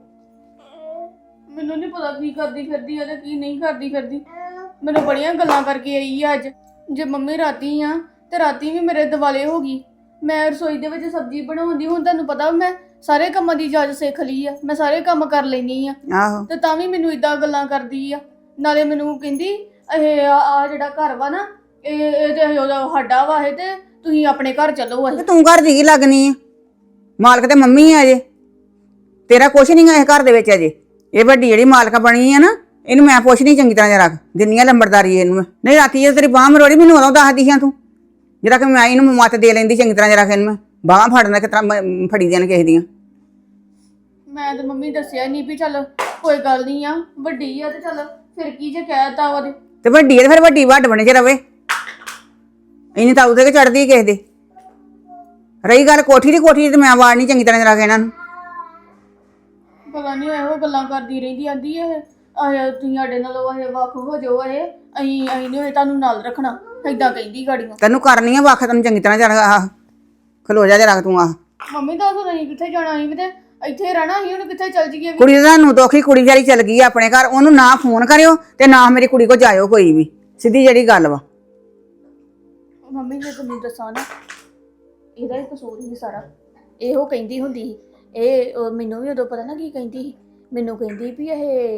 ਮੈਨੂੰ ਨਹੀਂ ਪਤਾ ਕੀ ਕਰਦੀ ਫਿਰਦੀ ਆ ਤੇ ਕੀ ਨਹੀਂ ਕਰਦੀ ਫਿਰਦੀ। ਮੈਨੂੰ ਬੜੀਆਂ ਗੱਲਾਂ ਕਰਕੇ ਆਈ ਆ ਅੱਜ। ਜੇ ਮੰਮੀ ਰਾਤੀ ਆ ਤੇ ਰਾਤੀ ਵੀ ਮੇਰੇ ਦਿਵਾਲੇ ਹੋ ਗਈ। ਮੈਂ ਰਸੋਈ ਦੇ ਵਿੱਚ ਸਬਜ਼ੀ ਬਣਾਉਂਦੀ, ਹੁਣ ਤੁਹਾਨੂੰ ਪਤਾ ਮੈਂ ਸਾਰੇ ਕੰਮਾਂ ਦੀ ਜਾਚ ਸਿੱਖ ਲਈ ਆ, ਮੈਂ ਸਾਰੇ ਕੰਮ ਕਰ ਲੈਣੀ ਆ।
ਆਹੋ,
ਤੇ ਤਾਂ ਵੀ ਮੈਨੂੰ ਇਦਾਂ ਗੱਲਾਂ ਕਰਦੀ ਆ। ਨਾਲੇ ਮੈਨੂੰ ਕਹਿੰਦੀ ਇਹ ਆ ਜਿਹੜਾ ਘਰ ਵਾ ਨਾ ਇਹ ਤੇ ਉਹਦਾ ਸਾਡਾ ਵਾ, ਇਹ ਤੇ ਤੁਸੀਂ ਆਪਣੇ ਘਰ ਚੱਲੋ।
ਤੇ ਤੂੰ ਘਰ ਦੀ ਕੀ ਲੱਗਣੀ ਆ? ਮਾਲਕ ਤੇ ਮੰਮੀ ਆ ਅਜੇ, ਤੇਰਾ ਕੁਛ ਨਹੀਂ ਗਾ ਇਹ ਘਰ ਦੇ ਵਿੱਚ ਅਜੇ। ਇਹ ਵੱਡੀ ਜਿਹੜੀ ਮਾਲਕ ਬਣੀ ਆ ਨਾ, ਇਹਨੂੰ ਮੈਂ ਪੁੱਛਣੀ ਚੰਗੀ ਤਰ੍ਹਾਂ ਜਰਾ, ਦਿੰਨੀ ਆ ਲੰਬੜਦਾਰੀ ਇਹਨੂੰ। ਨਹੀਂ ਰਾਤੀ ਜੇ ਤੇਰੀ ਬਾਂਹ ਮਰੋੜੀ ਮੈਨੂੰ ਉਦੋਂ ਦੱਸਦੀ ਹਾਂ ਤੂੰ, ਜਿਹੜਾ ਕਿ ਮੈਂ ਇਹਨੂੰ ਮੱਤ ਦੇ ਲੈਂਦੀ ਚੰਗੀ ਤਰ੍ਹਾਂ ਜਰਾ। ਇਹਨੂੰ ਮੈਂ ਬਾਹਾਂ ਫੜਨਾ ਕਿਸ ਤਰ੍ਹਾਂ ਫੜੀ ਦੀਆਂ ਨੇ ਕਿਸੇ ਦੀਆਂ।
ਮੈਂ ਤੇ ਮੰਮੀ ਦੱਸਿਆ ਨਹੀਂ ਵੀ ਚੱਲ ਕੋਈ ਗੱਲ ਨਹੀਂ ਆ, ਵੱਡੀ ਆ ਤੇ ਚੱਲ ਫਿਰ ਕੀ ਜੇ ਕਹਿਤਾ ਉਹਦੇ।
ਤੇ ਵੱਡੀ ਹੈ ਤੇ ਫਿਰ ਵੱਡੀ ਵੱਡ ਬਣੇ ਚ ਰਵੇ, ਇਹਨੇ ਤਾਂ ਉਹਦੇ ਕੇ ਚੜਦੀ ਕਿਸੇ ਦੇ। ਰਹੀ ਗੱਲ ਕੋਠੀ ਦੀ ਤੇ ਮੈਂ ਵਾੜਨੀ ਚੰਗੀ ਤਰ੍ਹਾਂ ਜਰਾ ਕੇ ਇਹਨਾਂ ਨੂੰ।
ਪਤਾ ਨਹੀਂ ਇਹੋ ਗੱਲਾਂ ਕਰਦੀ ਰਹਿੰਦੀ, ਆਂਦੀ ਇਹ ਤੁਸੀਂ ਸਾਡੇ ਨਾਲੋਂ ਇਹ ਵੱਖ ਹੋ ਜਾਓ, ਅਸੀਂ ਨਹੀਂ ਤੁਹਾਨੂੰ ਨਾਲ ਰੱਖਣਾ, ਏਦਾਂ ਕਹਿੰਦੀ ਗਾੜੀਆਂ।
ਤੈਨੂੰ ਕਰਨੀ ਆ ਵੱਖ, ਤੈਨੂੰ ਚੰਗੀ ਤਰ੍ਹਾਂ ਜਰਾ ਆਹ ਖਲੋ ਜਾ ਜਰਾ ਤੂੰ। ਆਹ
ਮੰਮੀ ਦੱਸ ਨਹੀਂ ਕਿੱਥੇ ਜਾਣਾ ਸੀ ਤੇ ਇੱਥੇ ਰਹਿਣਾ ਸੀ, ਹੁਣ ਕਿੱਥੇ ਚੱਲ ਜੀਏ?
ਕੁੜੀ ਦਾ ਤੁਹਾਨੂੰ ਦੁੱਖੀ, ਕੁੜੀ ਵਿਚਾਰੀ ਚਲ ਗਈ ਆਪਣੇ ਘਰ। ਉਹਨੂੰ ਨਾ ਫੋਨ ਕਰਿਓ ਤੇ ਨਾ ਮੇਰੀ ਕੁੜੀ ਕੋ ਜਾਇਓ ਕੋਈ ਵੀ, ਸਿੱਧੀ ਜਿਹੜੀ ਗੱਲ ਵਾ।
ਮੰਮੀ ਨੇ ਤੁਹਾਨੂੰ ਦੱਸਾਂ ਨਾ, ਇਹਦਾ ਹੀ ਕਸੂਰ ਹੀ ਸਾਰਾ। ਇਹੋ ਕਹਿੰਦੀ ਹੁੰਦੀ ਸੀ। ਇਹ ਮੈਨੂੰ ਵੀ ਉਦੋਂ ਪਤਾ ਨਾ ਕੀ ਕਹਿੰਦੀ ਸੀ, ਮੈਨੂੰ ਕਹਿੰਦੀ ਵੀ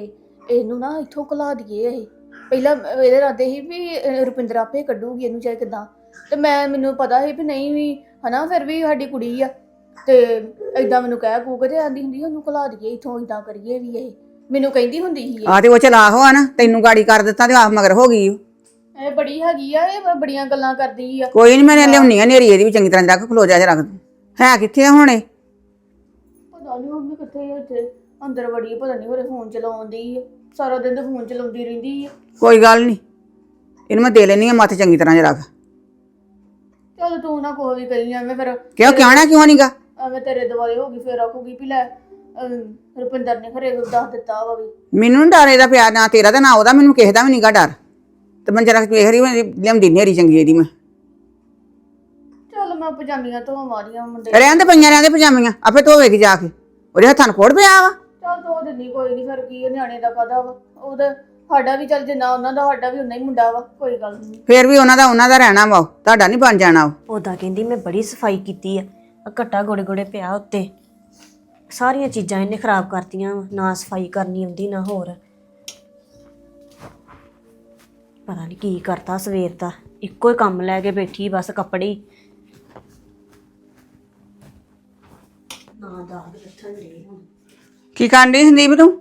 ਇਹਨੂੰ ਨਾ ਇੱਥੋਂ ਘਲਾ ਦਈਏ ਇਹ। ਪਹਿਲਾਂ ਇਹਦੇ ਇਰਾਦੇ ਸੀ ਵੀ ਰੁਪਿੰਦਰ ਆਪੇ ਕੱਢੂਗੀ ਇਹਨੂੰ ਚਾਹੇ ਕਿਦਾਂ, ਤੇ ਮੈਨੂੰ ਪਤਾ ਸੀ ਵੀ ਨਹੀਂ ਵੀ ਹਨਾ, ਫਿਰ ਵੀ ਸਾਡੀ ਕੁੜੀ ਆ ਤੇ ਏਦਾਂ ਮੈਨੂੰ ਕਹਿ ਕੂ ਕੇ ਤੇ ਆਂਦੀ ਹੁੰਦੀ ਉਹਨੂੰ ਘਲਾ ਦਈਏ ਇੱਥੋਂ, ਏਦਾਂ ਕਰੀਏ ਵੀ ਇਹ ਮੈਨੂੰ ਕਹਿੰਦੀ ਹੁੰਦੀ ਸੀ
ਆ ਤੇ ਉਹ ਚਲਾਕ ਆ ਨਾ, ਤੈਨੂੰ ਗਾੜੀ ਕਰ ਦਿੱਤਾ ਤੇ ਆਪ ਮਗਰ ਹੋ ਗਈ ਓ।
ਇਹ ਬੜੀ ਹੈਗੀ ਆ, ਇਹ ਬੜੀਆਂ ਗੱਲਾਂ ਕਰਦੀ ਆ।
ਕੋਈ ਨਹੀਂ, ਮੈਂ ਲਿਆਉਣੀ ਆ ਨੇਰੀ ਇਹਦੀ ਵੀ ਚੰਗੀ ਤਰ੍ਹਾਂ ਰੱਖ, ਖਲੋ ਜਾ ਰੱਖ ਦੂੰ। ਹੈ ਕਿੱਥੇ ਆ ਹੁਣੇ?
ਪਤਾ ਨਹੀਂ ਮੰਮੀ ਕਿੱਥੇ ਇੱਥੇ ਅੰਦਰ ਵੜੀ, ਪਤਾ ਨਹੀਂ ਹੋਰੇ ਫੋਨ ਚਲਾਉਂਦੀ ਆ, ਸਾਰਾ ਦਿਨ ਤੇ ਫੋਨ ਚਲਾਉਂਦੀ ਰਹਿੰਦੀ ਆ।
ਕੋਈ ਗੱਲ ਨਹੀਂ, ਇਹਨੂੰ ਮੈਂ ਦੇ ਲੈਣੀ ਆ ਮੱਥ ਚੰਗੀ ਤਰ੍ਹਾਂ ਰੱਖ।
ਚੱਲ ਤੂੰ ਨਾ ਕੋਈ ਵੀ ਕਰੀ ਐਵੇਂ, ਫਿਰ
ਕਿਉਂ ਕਹਿਣਾ ਕਿਉਂ ਨਹੀਂਗਾ?
ਐਵੇਂ ਤੇਰੇ ਦੁਆਲੇ ਹੋ ਗਈ, ਫਿਰ ਆਖੂਗੀ ਵੀ ਲੈ ਰੁਪਿੰਦਰ ਨੇ ਘਰੇ ਦੱਸ ਦਿੱਤਾ ਵਾ ਵੀ।
ਮੈਨੂੰ ਨੀ ਡਰ ਇਹਦਾ ਪਿਆ, ਨਾ ਤੇਰਾ ਤੇ ਨਾ ਉਹਦਾ, ਮੈਨੂੰ ਕਿਸੇ ਦਾ ਵੀ ਨਹੀਂਗਾ ਡਰ। ਤੇ ਮੈਂ ਜਰਾ ਵੇਖ ਰਹੀ ਲਿਆਉਂਦੀ ਨੇਰੀ ਚੰਗੀ ਇਹਦੀ ਮੈਂ।
ਚੱਲ ਮੈਂ ਪਜਾਮੀਆਂ ਧੋ ਮਾਰੀਆਂ ਮੁੰਡੇ।
ਰਹਿਣ ਦੇ ਪਜਾਮੀਆਂ, ਆਪੇ ਧੋਵੇਗੀ ਜਾ ਕੇ, ਉਹਦੇ ਹੱਥਾਂ ਨੂੰ ਕੋੜ ਪਿਆ ਵਾ।
ਚੱਲ ਧੋ ਦਿੰਦੀ, ਕੋਈ ਨਹੀਂ, ਫਿਰ ਕੀ ਆ, ਨਿਆਣੇ ਦਾ ਕਾਹਦਾ ਵਾ ਉਹਦਾ, ਸਾਡਾ ਵੀ ਚੱਲ ਜਿੰਨਾ ਉਹਨਾਂ ਦਾ ਸਾਡਾ ਵੀ ਉਨਾ ਹੀ ਮੁੰਡਾ ਵਾ, ਕੋਈ ਗੱਲ ਨਹੀਂ।
ਫੇਰ ਵੀ ਉਹਨਾਂ ਦਾ ਰਹਿਣਾ ਵਾ, ਤੁਹਾਡਾ ਨਹੀਂ ਬਣ ਜਾਣਾ ਉਹ।
ਉਦਾਂ ਕਹਿੰਦੀ ਮੈਂ ਬੜੀ ਸਫਾਈ ਕੀਤੀ ਆ, ਘੱਟਾ ਗੋੜੇ ਗੋੜੇ ਪਿਆ ਉੱਤੇ, ਸਾਰੀਆਂ ਚੀਜ਼ਾਂ ਇਹਨੇ ਖਰਾਬ ਕਰਤੀਆਂ, ਨਾ ਸਫਾਈ ਕਰਨੀ ਆਉਂਦੀ ਨਾ ਹੋਰ। ਪਤਾ ਨਹੀਂ ਕੀ ਕਰਤਾ ਸਵੇਰ ਦਾ, ਇੱਕੋ ਹੀ ਕੰਮ ਲੈ ਕੇ ਬੈਠੀ ਬਸ, ਕੱਪੜੇ ਹੀ। ਨਾ ਦਾਗ ਲੱਥਣ ਦੇ ਹੁਣ।
ਕੀ ਕਰਨ ਡਈ ਸੰਦੀਪ ਤੂੰ?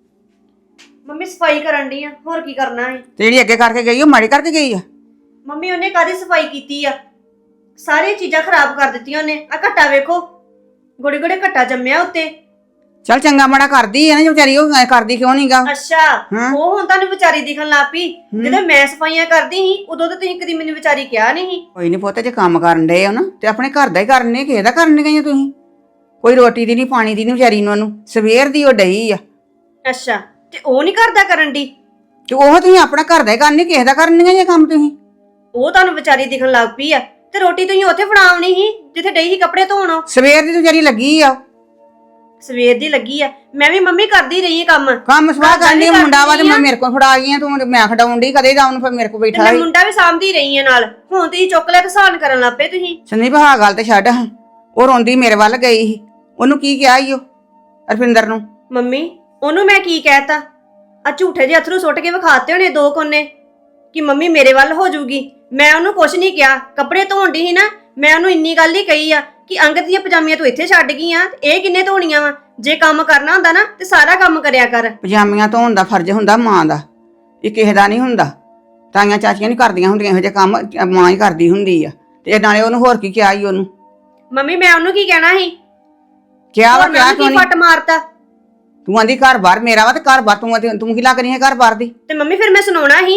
ਮੰਮੀ ਸਫਾਈ ਕਰਨ ਡਈ ਆ, ਹੋਰ ਕੀ ਕਰਨਾ ਹੈ?
ਤੇ ਜਿਹੜੀ ਅੱਗੇ ਕਰਕੇ ਗਈ ਉਹ ਮਾੜੀ ਕਰਕੇ ਗਈ ਆ?
ਮੰਮੀ ਉਹਨੇ ਕਾਹਦੀ ਸਫਾਈ ਕੀਤੀ ਆ? ਸਾਰੀਆਂ ਚੀਜ਼ਾਂ ਖਰਾਬ ਕਰ ਦਿੱਤੀਆਂ ਉਹਨੇ। ਆ ਘੱਟਾ ਵੇਖੋ, ਗੋੜੇ ਗੋੜੇ ਘੱਟਾ ਜੰਮਿਆ ਉੱਤੇ।
ਚੱਲ ਚੰਗਾ ਮਾੜਾ ਕਰਦੀ ਆ ਨਾ ਵਿਚਾਰੀ, ਉਹ ਐਂ ਕਰਦੀ ਕਿਉਂ ਨਹੀਂਗਾ?
ਅੱਛਾ, ਉਹ ਹੁਣ ਤੁਹਾਨੂੰ ਵਿਚਾਰੀ ਦਿਖਣ ਲੱਗ ਪਈ। ਜਦੋਂ ਮੈਂ ਸਫਾਈਆਂ ਕਰਦੀ ਸੀ ਉਦੋਂ ਤਾਂ ਤੁਸੀਂ ਕਦੀ ਮੈਨੂੰ ਵਿਚਾਰੀ ਕਿਹਾ ਨਹੀਂ ਸੀ।
ਕੋਈ ਨਹੀਂ ਪੁੱਤ, ਜੇ ਕੰਮ ਕਰਨ ਡਏ ਹੋ ਨਾ ਤੇ ਆਪਣੇ ਘਰ ਦਾ ਹੀ ਕਰਨੇ, ਕਿਸੇ ਦਾ ਕਰਨ ਗਈਆਂ ਤੁਸੀਂ? ਕੋਈ ਰੋਟੀ ਦੀ ਨਹੀਂ, ਪਾਣੀ ਦੀ ਨਹੀਂ ਵਿਚਾਰੀ ਨੂੰ, ਉਹਨੂੰ ਸਵੇਰ ਦੀ ਉਹ ਡਈ ਆ।
ਅੱਛਾ, ਤੇ ਉਹ ਨਹੀਂ ਕਰਦਾ ਕਰਨ ਦੀ?
ਤੇ ਉਹ ਤੁਸੀਂ ਆਪਣਾ ਘਰ ਦਾ ਹੀ ਕਰਨੀ, ਕਿਸੇ ਦਾ ਕਰਨੀਆਂ ਜੇ ਕੰਮ ਤੁਸੀਂ?
ਉਹ ਤੁਹਾਨੂੰ ਵਿਚਾਰੀ ਦਿਖਣ ਲੱਗ ਪਈ ਆ, ਤੇ ਰੋਟੀ ਤੁਸੀਂ ਉੱਥੇ ਫੜਾਉਣੀ ਸੀ ਜਿੱਥੇ ਡਈ ਸੀ ਕੱਪੜੇ ਧੋਣ।
ਸਵੇਰ ਦੀ ਵਿਚਾਰੀ ਲੱਗੀ ਆ।
ਸਵੇਰ ਦੀ ਲੱਗੀ ਆ, ਮੈਂ ਵੀ ਮੰਮੀ ਕਰਦੀ ਰਹੀ ਆ
ਕੰਮ ਸਵਾਹ ਕਰਨੀ, ਮੁੰਡਾ ਵਾ ਤੇ ਮੈਂ ਮੇਰੇ ਕੋਲ ਫੜਾ ਗਈ ਆ, ਤੂੰ ਮੈਂ ਖਡਾਉਣ ਡਈ ਕਦੇ ਦਾ ਉਹਨੂੰ, ਫਿਰ ਮੇਰੇ ਕੋਲ
ਤੇ
ਬੈਠਾ
ਮੈਂ
ਸੀ।
ਮੁੰਡਾ ਵੀ ਸਾਂਭਦੀ ਰਹੀ ਆ ਨਾਲ। ਹੁਣ ਤੁਸੀਂ ਚੁੱਕ ਲਿਆ ਤੇ ਸਾਨ ਕਰਨ ਲੱਗ ਪਏ ਤੁਸੀਂ।
ਸੰਦੀਪ ਹਾਂ ਗੱਲ ਤੇ ਛੱਡ, ਉਹ ਰੋਂਦੀ ਮੇਰੇ ਵੱਲ ਗਈ ਸੀ, ਉਹਨੂੰ ਕੀ ਕਿਹਾ ਈ ਉਹ ਰੁਪਿੰਦਰ ਨੂੰ?
ਮੰਮੀ ਉਹਨੂੰ ਮੈਂ ਕੀ ਕਹਿਤਾ? ਆ ਝੂਠੇ ਜਿਹੇ ਅਥਰੂ ਸੁੱਟ ਕੇ ਵਿਖਾਤੇ ਹੋਣੇ ਦੋ ਕੋਨੇ ਕਿ ਮੰਮੀ ਮੇਰੇ ਵੱਲ ਹੋ ਜਾਊਗੀ। ਮੈਂ ਉਹਨੂੰ ਕੁਛ ਨਹੀਂ ਕਿਹਾ, ਕੱਪੜੇ ਧੋਣ ਦੀ ਸੀ ਨਾ, ਮੈਂ ਉਹਨੂੰ ਇੰਨੀ ਗੱਲ ਹੀ ਕਹੀ ਆ ਕਿ ਅੰਗਦ ਦੀਆਂ ਪਜਾਮੀਆਂ ਤੂੰ ਇੱਥੇ ਛੱਡ ਗਈ ਆ, ਇਹ ਕਿੰਨੇ ਧੋਣੀਆਂ ਵਾ? ਜੇ ਕੰਮ ਕਰਨਾ ਹੁੰਦਾ ਨਾ ਤੇ ਸਾਰਾ ਕੰਮ ਕਰਿਆ ਕਰ।
ਪਜਾਮੀਆਂ ਧੋਣ ਦਾ ਫਰਜ਼ ਹੁੰਦਾ ਮਾਂ ਦਾ, ਇਹ ਕਿਸੇ ਦਾ ਨਹੀਂ ਹੁੰਦਾ। ਤਾਈਆਂ ਚਾਚੀਆਂ ਨਹੀਂ ਕਰਦੀਆਂ ਹੁੰਦੀਆਂ ਇਹੋ ਜਿਹੇ ਕੰਮ, ਮਾਂ ਹੀ ਕਰਦੀ ਹੁੰਦੀ ਆ। ਤੇ ਨਾਲੇ ਉਹਨੂੰ ਹੋਰ ਕੀ ਕਿਹਾ ਈ ਉਹਨੂੰ?
ਮੰਮੀ ਮੈਂ ਉਹਨੂੰ ਕੀ ਕਹਿਣਾ ਸੀ?
ਕਿਹਾ ਵਾ,
ਹੋਰ
ਕਿਹਾ
ਮੈਨੂੰ
ਕਿਉਂ
ਕੀ
ਨਹੀਂ?
ਫੱਟ ਮਾਰਤਾ?
ਤੂੰ ਆਂਦੀ ਘਰ ਬਾਹਰ ਮੇਰਾ ਵਾ ਤੇ ਘਰ ਬਾਹਰ ਤੂੰ ਕੀ ਲੱਗ ਰਹੀ ਹੈ ਘਰ ਬਾਹਰ ਦੀ?
ਤੇ ਮੰਮੀ ਫਿਰ ਮੈਂ ਸੁਣਾਉਣਾ ਸੀ।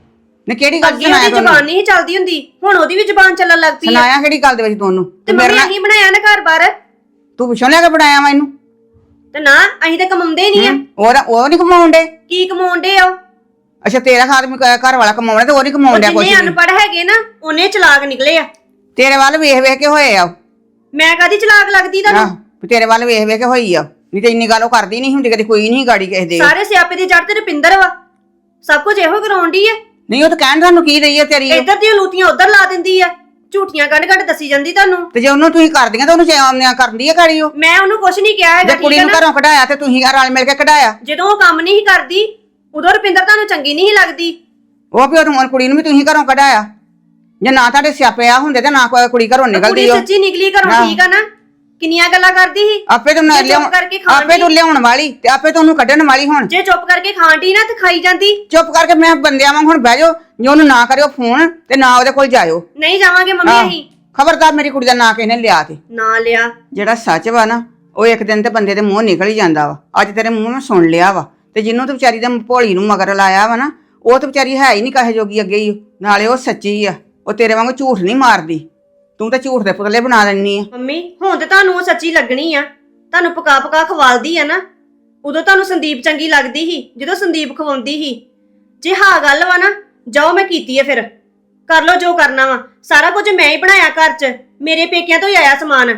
ਨੇ ਕਿਹੜੀ ਗੱਲ
ਅੱਗੇ
ਸੁਣਾਇਆ
ਉਹਦੀ
ਤੈਨੂੰ?
ਜ਼ਬਾਨ ਨਹੀਂ ਚੱਲਦੀ ਹੁੰਦੀ, ਹੁਣ ਉਹਦੀ ਵੀ ਜ਼ਬਾਨ ਚੱਲਣ ਲੱਗ ਪਈ ਆ।
ਸੁਣਾਇਆ ਕਿਹੜੀ ਗੱਲ ਦੇ ਵਿੱਚ ਤੁਹਾਨੂੰ?
ਤੇ ਮੰਮੀ ਅਸੀਂ ਬਣਾਇਆ ਨਾ ਘਰ ਬਾਰ,
ਤੂੰ ਪਿੱਛੋਂ ਲੈ ਕੇ ਬਣਾਇਆ ਵਾ ਇਹਨੂੰ?
ਤੇ ਨਾ ਅਸੀਂ ਤਾਂ ਕਮਾਉਂਦੇ ਨਹੀਂ ਆ।
ਉਹ ਨਹੀਂ ਕਮਾਉਣ ਡੇ?
ਕੀ ਕਮਾਉਂਦੇ ਆ ਉਹ?
ਅੱਛਾ, ਤੇਰਾ ਆਦਮੀ ਘਰ ਵਾਲਾ ਕਮਾਉਣਾ ਤੇ ਉਹ ਨਹੀਂ ਕਮਾਉਣ ਡਿਆ ਕੁਛ
ਜਿੰਨੇ
ਵੀ।
ਅਨਪੜ੍ਹ ਹੈਗੇ ਨਾ ਉਹਨੇ ਚਲਾਕ ਨਿਕਲੇ ਆ।
ਤੇਰੇ ਵੱਲ ਵੇਖ ਵੇਖ ਕੇ ਹੋਏ ਆ ਉਹ।
ਮੈਂ ਕਾਦੀ ਚਲਾਕ ਲੱਗਦੀ ਤੁਹਾਨੂੰ?
ਆਹ, ਤੇਰੇ ਵੱਲ ਵੇਖ ਵੇਖ ਕੇ ਹੋਈ ਆ, ਨਹੀਂ ਤੇ ਇੰਨੀ ਗੱਲ ਉਹ ਕਰਦੀ ਨਹੀਂ ਹੁੰਦੀ, ਕਦੇ ਕੋਈ ਨਹੀਂ ਗਾੜੀ ਕਿਸੇ ਦੇ।
ਸਾਰੇ ਸਿਆਪੇ ਦੀ ਜੜ ਤੇ ਰੁਪਿੰਦਰ ਵਾ, ਸਭ ਕੁਝ ਇਹੋ ਕਰਾਉਂਦੀ ਆ।
ਨਹੀਂ ਉਹ ਤਾਂ ਕਹਿਣ ਤੁਹਾਨੂੰ ਕੀ ਰਹੀ ਹੈ ਤੇਰੀ ਉਹ।
ਇੱਧਰ ਦੀਆਂ ਲੂਤੀਆਂ ਉੱਧਰ ਲਾ ਦਿੰਦੀ ਆ, ਝੂਠੀਆਂ ਕੱਢ ਦੱਸੀ ਜਾਂਦੀ ਤੁਹਾਨੂੰ।
ਤੇ ਜੇ ਉਹਨੂੰ ਤੁਸੀਂ ਕਰਦੀਆਂ ਤਾਂ ਉਹਨੂੰ ਚਾਮਨਿਆ ਕਰਦੀ ਹੈ ਗਾੜੀ ਉਹ।
ਮੈਂ ਉਹਨੂੰ ਕੁਛ ਨਹੀਂ ਕਿਹਾ ਹੈਗਾ,
ਜੇ ਕੁੜੀ
ਠੀਕ ਹੈ
ਨੂੰ
ਨਾ?
ਘਰੋਂ ਕਢਾਇਆ ਤੇ ਤੁਸੀਂ ਰਲ ਮਿਲ ਕੇ ਕਢਾਇਆ।
ਜਦੋਂ ਉਹ ਕੰਮ ਨਹੀਂ ਕਰਦੀ ਉਦੋਂ ਰੁਪਿੰਦਰ ਤੁਹਾਨੂੰ ਚੰਗੀ ਨਹੀਂ ਲੱਗਦੀ।
ਉਹ ਵੀ ਉਹ ਕੁੜੀ ਨੂੰ ਵੀ ਤੁਸੀਂ ਘਰੋਂ ਕਢਾਇਆ। ਜੇ ਨਾ ਤੁਹਾਡੇ ਸਿਆਪੇ ਆ ਹੁੰਦੇ ਤੇ ਨਾ ਕੋਈ ਕੁੜੀ ਘਰੋਂ
ਕੁੜੀ
ਨਿਕਲਦੀ ਉਹ।
ਸੱਚੀ ਨਿਕਲੀ ਘਰੋਂ, ਠੀਕ ਆ ਨਾ? ਕਿੰਨੀਆਂ ਗੱਲਾਂ ਕਰਦੀ ਸੀ।
ਆਪੇ ਤੋਂ
ਜੇ ਚੁੱਪ ਕਰਕੇ ਖਾਣ
ਆਪੇ ਤੋਂ ਲਿਆਉਣ ਵਾਲੀ ਤੇ ਆਪੇ ਤੋਂ ਉਹਨੂੰ ਕੱਢਣ ਵਾਲੀ। ਹੁਣ
ਜੇ ਚੁੱਪ ਕਰਕੇ ਖਾਂਦੀ ਨਾ ਤੇ ਖਾਈ ਜਾਂਦੀ।
ਚੁੱਪ ਕਰਕੇ ਮੈਂ ਬੰਦਿਆਂ ਵਾਂਗ ਹੁਣ ਬਹਿ ਜਾਓ, ਜੇ ਉਹਨੂੰ ਨਾ ਕਰਿਓ ਫੋਨ ਤੇ ਨਾ ਉਹਦੇ ਕੋਲ ਜਾਇਓ।
ਨਹੀਂ ਜਾਵਾਂਗੇ ਮੰਮੀ ਅਸੀਂ।
ਖਬਰਦਾਰ ਮੇਰੀ ਕੁੜੀ ਦਾ ਨਾਂ ਕਿਸੇ ਨੇ ਲਿਆ ਤੇ
ਨਾ ਲਿਆ।
ਜਿਹੜਾ ਸੱਚ ਵਾ ਨਾ ਉਹ ਇੱਕ ਦਿਨ ਤੇ ਬੰਦੇ ਦੇ ਮੂੰਹ ਨਿਕਲ ਹੀ ਜਾਂਦਾ ਵਾ। ਅੱਜ ਤੇਰੇ ਮੂੰਹ ਮੈਂ ਸੁਣ ਲਿਆ ਵਾ। ਤੇ ਜਿਹਨੂੰ ਤੇ ਵਿਚਾਰੀ ਦੇ ਭੋਲੀ ਨੂੰ ਮਗਰ ਲਾਇਆ ਵਾ ਨਾ, ਉਹ ਤੇ ਵਿਚਾਰੀ ਹੈ ਹੀ ਨਹੀਂ ਕਹੇ ਜੋਗੀ ਅੱਗੇ ਹੀ। ਨਾਲੇ ਉਹ ਸੱਚੀ ਆ, ਉਹ ਤੇਰੇ ਵਾਂਗੂ ਝੂਠ ਨਹੀਂ ਮਾਰਦੀ। ਤੂੰ ਤਾਂ ਝੂਠ ਦੇ ਪੁਤਲੇ ਬਣਾ ਲੈਣੀ ਆ।
ਮੰਮੀ ਹੁਣ ਤੇ ਤੁਹਾਨੂੰ ਉਹ ਸੱਚੀ ਲੱਗਣੀ ਆ, ਤੁਹਾਨੂੰ ਪਕਾ ਪਕਾ ਖਵਾਲਦੀ ਆ ਨਾ। ਉਦੋਂ ਤੁਹਾਨੂੰ ਸੰਦੀਪ ਚੰਗੀ ਲੱਗਦੀ ਸੀ ਜਦੋਂ ਸੰਦੀਪ ਖਵਾਉਂਦੀ ਸੀ। ਜੇ ਹਾਂ ਗੱਲ ਵਾ ਨਾ, ਜਾਓ ਮੈਂ ਕੀਤੀ ਆ, ਫਿਰ ਕਰ ਲਓ ਜੋ ਕਰਨਾ ਵਾ। ਸਾਰਾ ਕੁਝ ਮੈਂ ਹੀ ਬਣਾਇਆ ਘਰ 'ਚ, ਮੇਰੇ ਪੇਕਿਆਂ ਤੋਂ ਹੀ ਆਇਆ ਸਮਾਨ।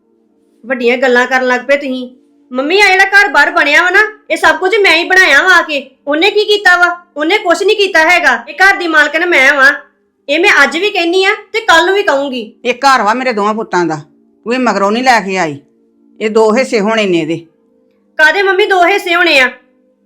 ਵੱਡੀਆਂ ਗੱਲਾਂ ਕਰਨ ਲੱਗ ਪਏ ਤੁਸੀਂ। ਮੰਮੀ ਆ ਜਿਹੜਾ ਘਰ ਬਾਹਰ ਬਣਿਆ ਵਾ ਨਾ, ਇਹ ਸਭ ਕੁਝ ਮੈਂ ਹੀ ਬਣਾਇਆ ਵਾ। ਆ ਕੇ ਉਹਨੇ ਕੀ ਕੀਤਾ ਵਾ? ਉਹਨੇ ਕੁਝ ਨਹੀਂ ਕੀਤਾ ਹੈਗਾ। ਇਹ ਘਰ ਦੀ ਮਾਲਕਣ ਮੈਂ ਵਾਂ। ਇਹ ਮੈਂ ਅੱਜ ਵੀ ਕਹਿੰਨੀ ਆ ਤੇ ਕੱਲ ਨੂੰ ਵੀ ਕਹੂੰਗੀ।
ਇਹ ਘਰ ਵਾ ਮੇਰੇ ਦੋਵਾਂ ਪੁੱਤਾਂ ਦਾ, ਤੂੰ ਇਹ ਮਗਰੋਂ ਨਹੀਂ ਲੈ ਕੇ ਆਈ। ਇਹ ਦੋ ਹਿੱਸੇ ਹੋਣੇ ਨੇ ਇਹਦੇ।
ਕਾਦੇ ਮੰਮੀ ਦੋ ਹਿੱਸੇ ਹੋਣੇ ਆ?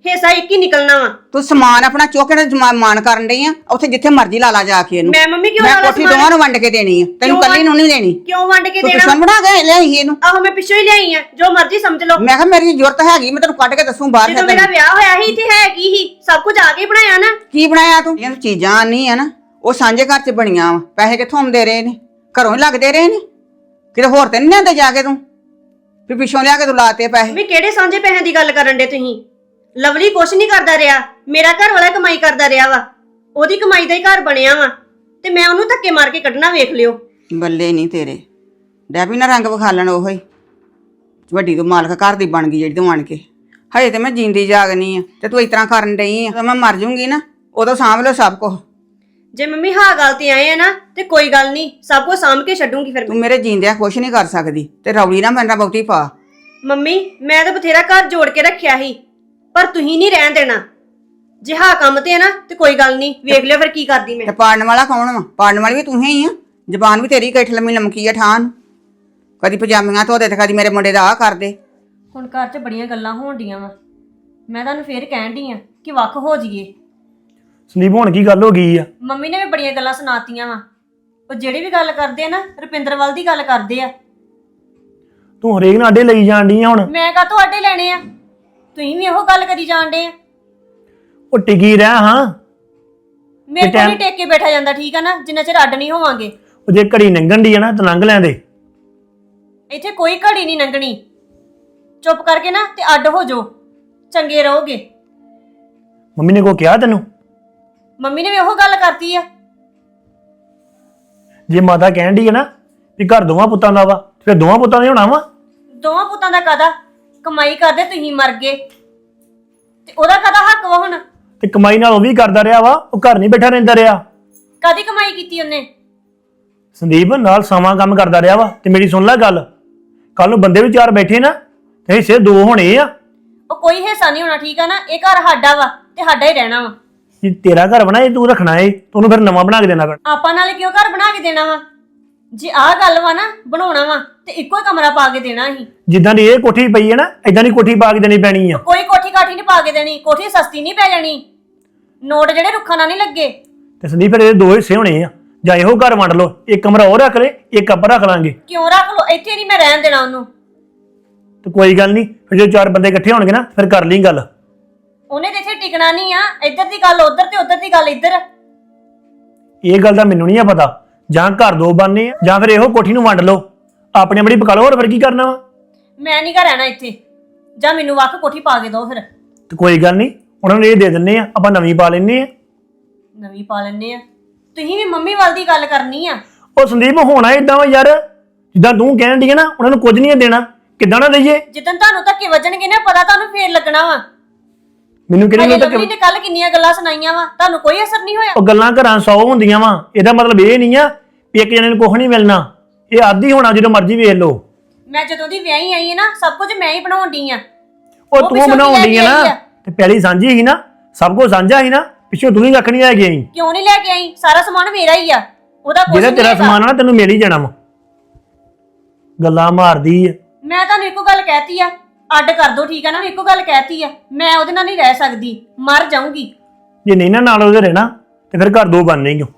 ਹਿੱਸਾ ਇੱਕ ਹੀ ਨਿਕਲਣਾ ਵਾ।
ਤੂੰ ਸਮਾਨ ਆਪਣਾ ਚੁੱਕ ਕੇ ਮਾਨ ਕਰਨ ਡਈ ਆ, ਉੱਥੇ ਜਿੱਥੇ ਮਰਜ਼ੀ ਲਾ ਲਾ ਜਾ ਕੇ ਇਹਨੂੰ।
ਮੈਂ ਮੰਮੀ ਕਿਉਂ
ਮੈਂ
ਲਾਲਾ
ਕੋਠੀ
ਸਮਾਨ?
ਦੋਵਾਂ ਨੂੰ ਵੰਡ ਕੇ ਦੇਣੀ ਆ, ਤੈਨੂੰ ਕੱਲੀ ਨੂੰ ਨਹੀਂ ਦੇਣੀ।
ਕਿਉਂ ਵੰਡ ਕੇ
ਤੂੰ
ਦੇਣਾ?
ਦੁਸ਼ਮਣ ਬਣਾ ਕੇ ਲਿਆਈ ਇਹਨੂੰ।
ਆਹੋ ਮੈਂ ਪਿੱਛੋਂ ਹੀ ਲਿਆਈ ਆ, ਜੋ ਮਰਜ਼ੀ ਸਮਝ ਲਓ।
ਮੈਂ ਕਿਹਾ ਮੇਰੀ ਜ਼ਰੂਰਤ ਹੈਗੀ, ਮੈਂ ਤੈਨੂੰ ਕੱਢ ਕੇ ਦੱਸੂ ਬਾਹਰ।
ਜਦੋਂ ਮੇਰਾ ਵਿਆਹ ਹੋਇਆ ਸੀ ਇੱਥੇ ਹੈ ਕੀ ਸੀ? ਸਭ ਕੁਝ ਆ ਕੇ ਹੀ ਬਣਾਇਆ ਨਾ।
ਕੀ ਬਣਾਇਆ ਤੂੰ? ਇਹ ਚੀਜ਼ਾਂ ਨਹੀਂ ਆ ਨਾ, ਉਹ ਸਾਂਝੇ ਘਰ 'ਚ ਬਣੀਆਂ ਵਾ। ਪੈਸੇ ਕਿੱਥੋਂ ਆਉਂਦੇ ਰਹੇ ਨੇ? ਘਰੋਂ ਹੀ ਲੱਗਦੇ ਰਹੇ ਨੇ, ਕਿਤੇ ਹੋਰ ਤੇ ਨਹੀਂ ਲਿਆਂਦੇ ਜਾ ਕੇ ਤੂੰ ਵੀ ਪਿੱਛੋਂ ਲਿਆ ਕੇ ਤੂੰ ਲਾਤੇ ਪੈਸੇ।
ਵੀ ਕਿਹੜੇ ਸਾਂਝੇ ਪੈਸਿਆਂ ਦੀ ਗੱਲ ਕਰਨ ਦੇ ਤੁਸੀਂ? ਲਵਲੀ ਕੁਛ ਨਹੀਂ ਕਰਦਾ ਰਿਹਾ, ਮੇਰਾ ਘਰ ਵਾਲਾ ਕਮਾਈ ਕਰਦਾ ਰਿਹਾ ਵਾ, ਉਹਦੀ ਕਮਾਈ ਦਾ ਹੀ ਘਰ ਬਣਿਆ ਵਾ, ਤੇ ਮੈਂ ਉਹਨੂੰ ਧੱਕੇ ਮਾਰ ਕੇ ਕੱਢਣਾ ਵੇਖ ਲਿਓ।
ਬੱਲੇ ਨਹੀਂ ਤੇਰੇ, ਡੈਬੀ ਨਾ ਰੰਗ ਵਿਖਾਲਣ ਉਹੋ ਹੀ ਵੱਡੀ ਤੂੰ ਮਾਲਕ ਘਰ ਦੀ ਬਣ ਗਈ ਜਿਹੜੀ ਤੂੰ ਆਣ ਕੇ। ਹਜੇ ਤੇ ਮੈਂ ਜਿੰਦੀ ਜਾਗਨੀ ਆ ਤੇ ਤੂੰ ਇਸ ਤਰ੍ਹਾਂ ਕਰਨ ਡਈ ਆ। ਜਦੋਂ ਮੈਂ ਮਰ ਜੂੰਗੀ ਨਾ ਉਦੋਂ ਸਾਂਭ ਲਓ ਸਭ ਕੁਝ।
ਜੇ ਮੰਮੀ ਹਾਂ ਗੱਲ ਤੇ ਆਏ ਆ ਨਾ ਤੇ ਕੋਈ ਗੱਲ ਨਹੀਂ, ਸਭ ਕੁਝ ਸਾਂਭ ਕੇ ਛੱਡੂੰਗੀ ਫਿਰ।
ਤੂੰ ਮੇਰੇ ਜੀਂਦਿਆਂ ਕੁਛ ਨਹੀਂ ਕਰ ਸਕਦੀ ਤੇ ਰੌਲੀ ਨਾ ਮੇਰੇ ਨਾਲ ਬਹੁਤੀ ਪਾ।
ਮੰਮੀ ਮੈਂ ਤਾਂ ਬਥੇਰਾ ਘਰ ਜੋੜ ਕੇ ਰੱਖਿਆ ਸੀ, ਪਰ ਤੁਸੀਂ ਨਹੀਂ ਰਹਿਣ ਦੇਣਾ। ਜੇ ਹਾਂ ਕੰਮ ਤੇ ਆ ਨਾ ਤੇ ਕੋਈ ਗੱਲ ਨਹੀਂ, ਵੇਖ ਲਿਓ ਫਿਰ ਕੀ ਕਰਦੀ ਮੈਂ।
ਤੇ ਪਾੜਨ ਵਾਲਾ ਕੌਣ ਵਾ? ਪਾੜਨ ਵਾਲੀ ਵੀ ਤੂੰ ਹੀ ਆ। ਜ਼ਬਾਨ ਵੀ ਤੇਰੀ ਕਿੱਠ ਲੰਮੀ ਲਮਕੀ ਆ ਠਾਨ। ਕਦੀ ਪਜਾਮੀਆਂ ਧੋਦੇ ਤੇ ਕਦੀ ਮੇਰੇ ਮੁੰਡੇ ਦਾ ਆਹ ਕਰਦੇ।
ਹੁਣ ਘਰ 'ਚ ਬੜੀਆਂ ਗੱਲਾਂ ਹੋਣ ਡੀਆਂ ਵਾ, ਮੈਂ ਤੁਹਾਨੂੰ ਫੇਰ ਕਹਿਣ ਡਈ ਆ ਕਿ ਵੱਖ ਹੋ ਜਾਈਏ।
ਸੰਦੀਪ ਹੁਣ ਕੀ ਗੱਲ ਹੋ ਗਈ ਆ?
ਮੰਮੀ ਨੇ ਵੀ ਬੜੀਆਂ ਗੱਲਾਂ ਸੁਣਾਤੀਆਂ ਵਾ। ਉਹ ਜਿਹੜੀ ਵੀ ਗੱਲ ਕਰਦੇ ਆ ਨਾ ਰੁਪਿੰਦਰ ਵੱਲ ਦੀ ਗੱਲ ਕਰਦੇ ਆ।
ਤੂੰ ਹਰੇਕ ਨਾਲ ਆਡੇ ਲਈ ਜਾਣ ਡਈ ਆ ਹੁਣ।
ਮੈਂ ਕਾ ਤੁਹਾਡੇ ਲੈਣੇ ਆ? ਤੁਸੀਂ ਵੀ ਇਹੋ ਗੱਲ ਕਰੀ ਜਾਂਦੇ ਆ।
ਉਹ ਟਿਕੀ ਰਹਿ ਹਾਂ।
ਮੇਰੇ ਕੋਲ ਨਹੀਂ ਟੇਕ ਕੇ ਬੈਠਾ ਜਾਂਦਾ, ਠੀਕ ਆ ਨਾ, ਜਿੰਨਾ ਚਿਰ ਅੱਡ ਨਹੀਂ ਹੋਵਾਂਗੇ।
ਉਹ ਜੇ ਘੜੀ ਲੰਘਣ ਦੀ ਆ ਨਾ ਤਾਂ ਲੰਘ ਲੈਂਦੇ।
ਇੱਥੇ ਕੋਈ ਘੜੀ ਨਹੀਂ ਲੰਘਣੀ। ਚੁੱਪ ਕਰਕੇ ਨਾ ਤੇ ਅੱਡ ਹੋ ਜਾਓ, ਚੰਗੇ ਰਹੋਗੇ।
ਮੰਮੀ ਨੇ ਕੋ ਕਿਹਾ ਤੈਨੂੰ?
ਮੰਮੀ ਨੇ ਵੀ ਉਹੋ ਗੱਲ ਕਰਤੀ ਆ।
ਜੇ ਮਾਤਾ ਕਹਿਣ ਦੀ ਆ ਨਾ ਵੀ ਘਰ ਦੋਵਾਂ ਪੁੱਤਾਂ ਦਾ ਵਾ, ਫਿਰ ਦੋਵਾਂ ਪੁੱਤਾਂ ਦਾ ਹੋਣਾ ਵਾ।
ਦੋਵਾਂ ਪੁੱਤਾਂ ਦਾ ਕਾਦਾ? ਕਮਾਈ ਕਰਦੇ ਤੁਸੀਂ ਮਰ ਗਏ ਤੇ ਉਹਦਾ ਕਾਦਾ ਹੱਕ ਵਾ ਹੁਣ?
ਤੇ ਕਮਾਈ ਨਾਲ ਉਹ ਵੀ ਕਰਦਾ ਰਿਹਾ ਵਾ, ਉਹ ਘਰ ਨਹੀਂ ਬੈਠਾ ਰਹਿੰਦਾ ਰਿਹਾ।
ਕਾਦੀ ਕਮਾਈ ਕੀਤੀ ਉਹਨੇ?
ਸੰਦੀਪ ਨਾਲ ਸਮਾਂ ਕੰਮ ਕਰਦਾ ਰਿਹਾ ਵਾ। ਤੇ ਮੇਰੀ ਸੁਣ ਲੈ ਗੱਲ, ਕੱਲ ਨੂੰ ਬੰਦੇ ਵੀ ਚਾਰ ਬੈਠੇ ਨਾ ਤੇ ਹਿੱਸੇ ਦੋ ਹੋਣੇ ਆ।
ਉਹ ਕੋਈ ਹਿੱਸਾ ਨਹੀਂ ਹੋਣਾ, ਠੀਕ ਆ ਨਾ। ਇਹ ਘਰ ਸਾਡਾ ਵਾ ਤੇ ਸਾਡਾ ਹੀ ਰਹਿਣਾ ਵਾ।
ਜੇ ਤੇਰਾ ਘਰ ਬਣਾ ਇਹ ਤੂੰ ਰੱਖਣਾ ਏ, ਤੈਨੂੰ ਫਿਰ ਨਵਾਂ ਬਣਾ ਕੇ ਦੇਣਾ ਪੈਣਾ।
ਆਪਾਂ ਨਾਲੇ ਕਿਉਂ ਘਰ ਬਣਾ ਕੇ ਦੇਣਾ ਵਾ? ਜੇ ਆਹ ਗੱਲ ਵਾ ਨਾ ਬਣਾਉਣਾ ਵਾ ਤੇ ਇੱਕੋ ਹੀ ਕਮਰਾ ਪਾ ਕੇ ਦੇਣਾ ਸੀ।
ਜਿੱਦਾਂ ਦੀ ਇਹ ਕੋਠੀ ਪਈ ਹੈ ਨਾ ਏਦਾਂ ਦੀ ਕੋਠੀ ਪਾ ਕੇ ਦੇਣੀ ਪੈਣੀ ਆ।
ਕੋਈ ਕੋਠੀ ਕਾਠੀ ਨਹੀਂ ਪਾ ਕੇ ਦੇਣੀ, ਕੋਠੀ ਸਸਤੀ ਨਹੀਂ ਪੈ ਜਾਣੀ। ਨੋਟ ਜਿਹੜੇ ਰੁੱਖਾਂ ਨਾਲ ਨਹੀਂ ਲੱਗੇ।
ਤੇ ਸੰਦੀਪ ਫਿਰ ਇਹਦੇ ਦੋ ਹਿੱਸੇ ਹੋਣੇ ਆ, ਜਾਂ ਇਹੋ ਘਰ ਵੰਡ ਲਓ, ਇੱਕ ਕਮਰਾ ਉਹ ਰੱਖ ਲੈ, ਇੱਕ ਆਪਾਂ ਰੱਖ ਲਾਂਗੇ।
ਕਿਉਂ ਰੱਖ ਲੋ? ਇੱਥੇ ਨਹੀਂ ਮੈਂ ਰਹਿਣ ਦੇਣਾ ਉਹਨੂੰ।
ਤੇ ਕੋਈ ਗੱਲ ਨਹੀਂ, ਫਿਰ ਜੇ ਚਾਰ ਬੰਦੇ ਇਕੱਠੇ ਹੋਣਗੇ ਨਾ ਫਿਰ ਕਰ ਲਈ ਗੱਲ।
ਉਹਨੇ ਤੇ ਇੱਥੇ ਟਿਕਣਾ ਨਹੀਂ ਆ। ਇੱਧਰ ਦੀ ਗੱਲ ਉੱਧਰ ਤੇ ਉੱਧਰ ਦੀ ਗੱਲ ਇੱਧਰ।
ਇਹ ਗੱਲ ਦਾ ਮੈਨੂੰ ਨਹੀਂ ਆ ਪਤਾ। ਜਾਂ ਘਰ ਦੋ ਬਣਨੇ ਆ ਜਾਂ ਫਿਰ ਇਹੋ ਕੋਠੀ ਨੂੰ ਵੰਡ ਲਓ, ਆਪਣੀ ਆਪਣੀ ਪਕਾ ਲਓ। ਹੋਰ ਫਿਰ ਕੀ ਕਰਨਾ ਵਾ?
ਮੈਂ ਨਹੀਂ ਘਰ ਰਹਿਣਾ ਇੱਥੇ। ਜਾਂ ਮੈਨੂੰ ਵੱਖ ਕੋਠੀ ਪਾ ਕੇ ਦਿਓ ਫਿਰ।
ਤੇ ਕੋਈ ਗੱਲ ਨਹੀਂ, ਉਹਨਾਂ ਨੂੰ ਇਹ ਦੇ ਦਿੰਨੇ ਆ, ਆਪਾਂ ਨਵੀਂ ਪਾ ਲੈਨੇ ਆ।
ਨਵੀਂ ਪਾ ਲੈਣੇ ਆ। ਤੁਸੀਂ ਵੀ ਮੰਮੀ ਵੱਲ ਦੀ ਗੱਲ ਕਰਨੀ ਆ।
ਉਹ ਸੰਦੀਪ ਹੋਣਾ ਇਦਾਂ ਵਾ ਯਾਰ, ਜਿੱਦਾਂ ਤੂੰ ਕਹਿਣ ਦੀ ਹੈ ਨਾ, ਉਹਨਾਂ ਨੂੰ ਕੁਝ ਨਹੀਂ ਦੇਣਾ। ਕਿੱਦਾਂ ਨਾ ਦਈਏ?
ਜਿੱਦਣ ਤੁਹਾਨੂੰ ਧੱਕੇ ਵੱਜਣਗੇ ਨਾ ਪਤਾ ਤੁਹਾਨੂੰ ਫੇਰ ਲੱਗਣਾ ਵਾ।
ਮੈਨੂੰ ਕਿਹੜੀ
ਅਜੇ
ਗੱਲ
ਲਵਲੀ ਨੇ ਕੱਲ ਕਿੰਨੀਆਂ ਗੱਲਾਂ ਸੁਣਾਈਆਂ ਵਾ, ਤੁਹਾਨੂੰ ਕੋਈ ਅਸਰ ਨਹੀਂ ਹੋਇਆ।
ਉਹ ਗੱਲਾਂ ਘਰਾਂ 100 ਹੁੰਦੀਆਂ ਵਾ। ਇਹਦਾ ਮਤਲਬ ਇਹ ਨਹੀਂ ਆ ਵੀ ਇੱਕ ਜਣੇ ਨੂੰ ਕੁਝ ਨਹੀਂ ਮਿਲਣਾ। ਇਹ ਆਦੀ ਹੋਣਾ ਜਦੋਂ ਮਰਜ਼ੀ ਵੇਖ ਲਓ।
ਮੈਂ ਜਦੋਂ ਦੀ ਵਿਆਹੀ ਆਈ ਹੈ ਨਾ ਸਭ ਕੁਝ ਮੈਂ ਹੀ ਬਣਾਉਣ ਡਈ ਆ।
ਉਹ
ਉਹ
ਤੂੰ
ਪਿੱਛੋਂ
ਬਣਾਉਣ
ਕੀ
ਡਈ ਆ
ਲੈ
ਨਾ,
ਕੇ ਆਈ ਆ?
ਤੇ ਪਹਿਲੀ ਸਾਂਝੀ ਸੀ ਨਾ, ਸਭ ਕੁਝ ਸਾਂਝਾ ਸੀ ਨਾ, ਪਿੱਛੋਂ ਤੂੰ ਹੀ ਕੱਖ ਨਹੀਂ ਲੈ ਕੇ ਆਈ।
ਕਿਉਂ ਨਹੀਂ ਲੈ ਕੇ ਆਈ? ਸਾਰਾ ਸਮਾਨ ਮੇਰਾ ਹੀ ਆ, ਉਹਦਾ ਕੁਝ
ਜਿਹੜਾ
ਨਹੀਂ
ਤੇਰਾ
ਹੈਗਾ।
ਸਮਾਨ ਆ ਨਾ ਤੈਨੂੰ ਮਿਲ ਹੀ ਜਾਣਾ ਵਾ। ਗੱਲਾਂ ਮਾਰਦੀ ਆ।
ਮੈਂ ਤੁਹਾਨੂੰ ਇੱਕੋ ਗੱਲ ਕਹਿਤੀ ਆ, ਅੱਡ ਕਰ ਦੋ, ਠੀਕ ਆ ਨਾ। ਇੱਕੋ ਗੱਲ ਕਹਿਤੀ ਆ, ਮੈਂ ਉਹਦੇ ਨਾਲ ਨਹੀਂ ਰਹਿ ਸਕਦੀ, ਮਰ ਜਾਊਂਗੀ।
ਜੇ ਨਹੀਂ ਨਾ ਨਾਲ ਉਹਦੇ ਰਹਿਣਾ ਤੇ ਫਿਰ ਘਰ ਦੋ ਬਣਨੇ ਹੀ ਓ।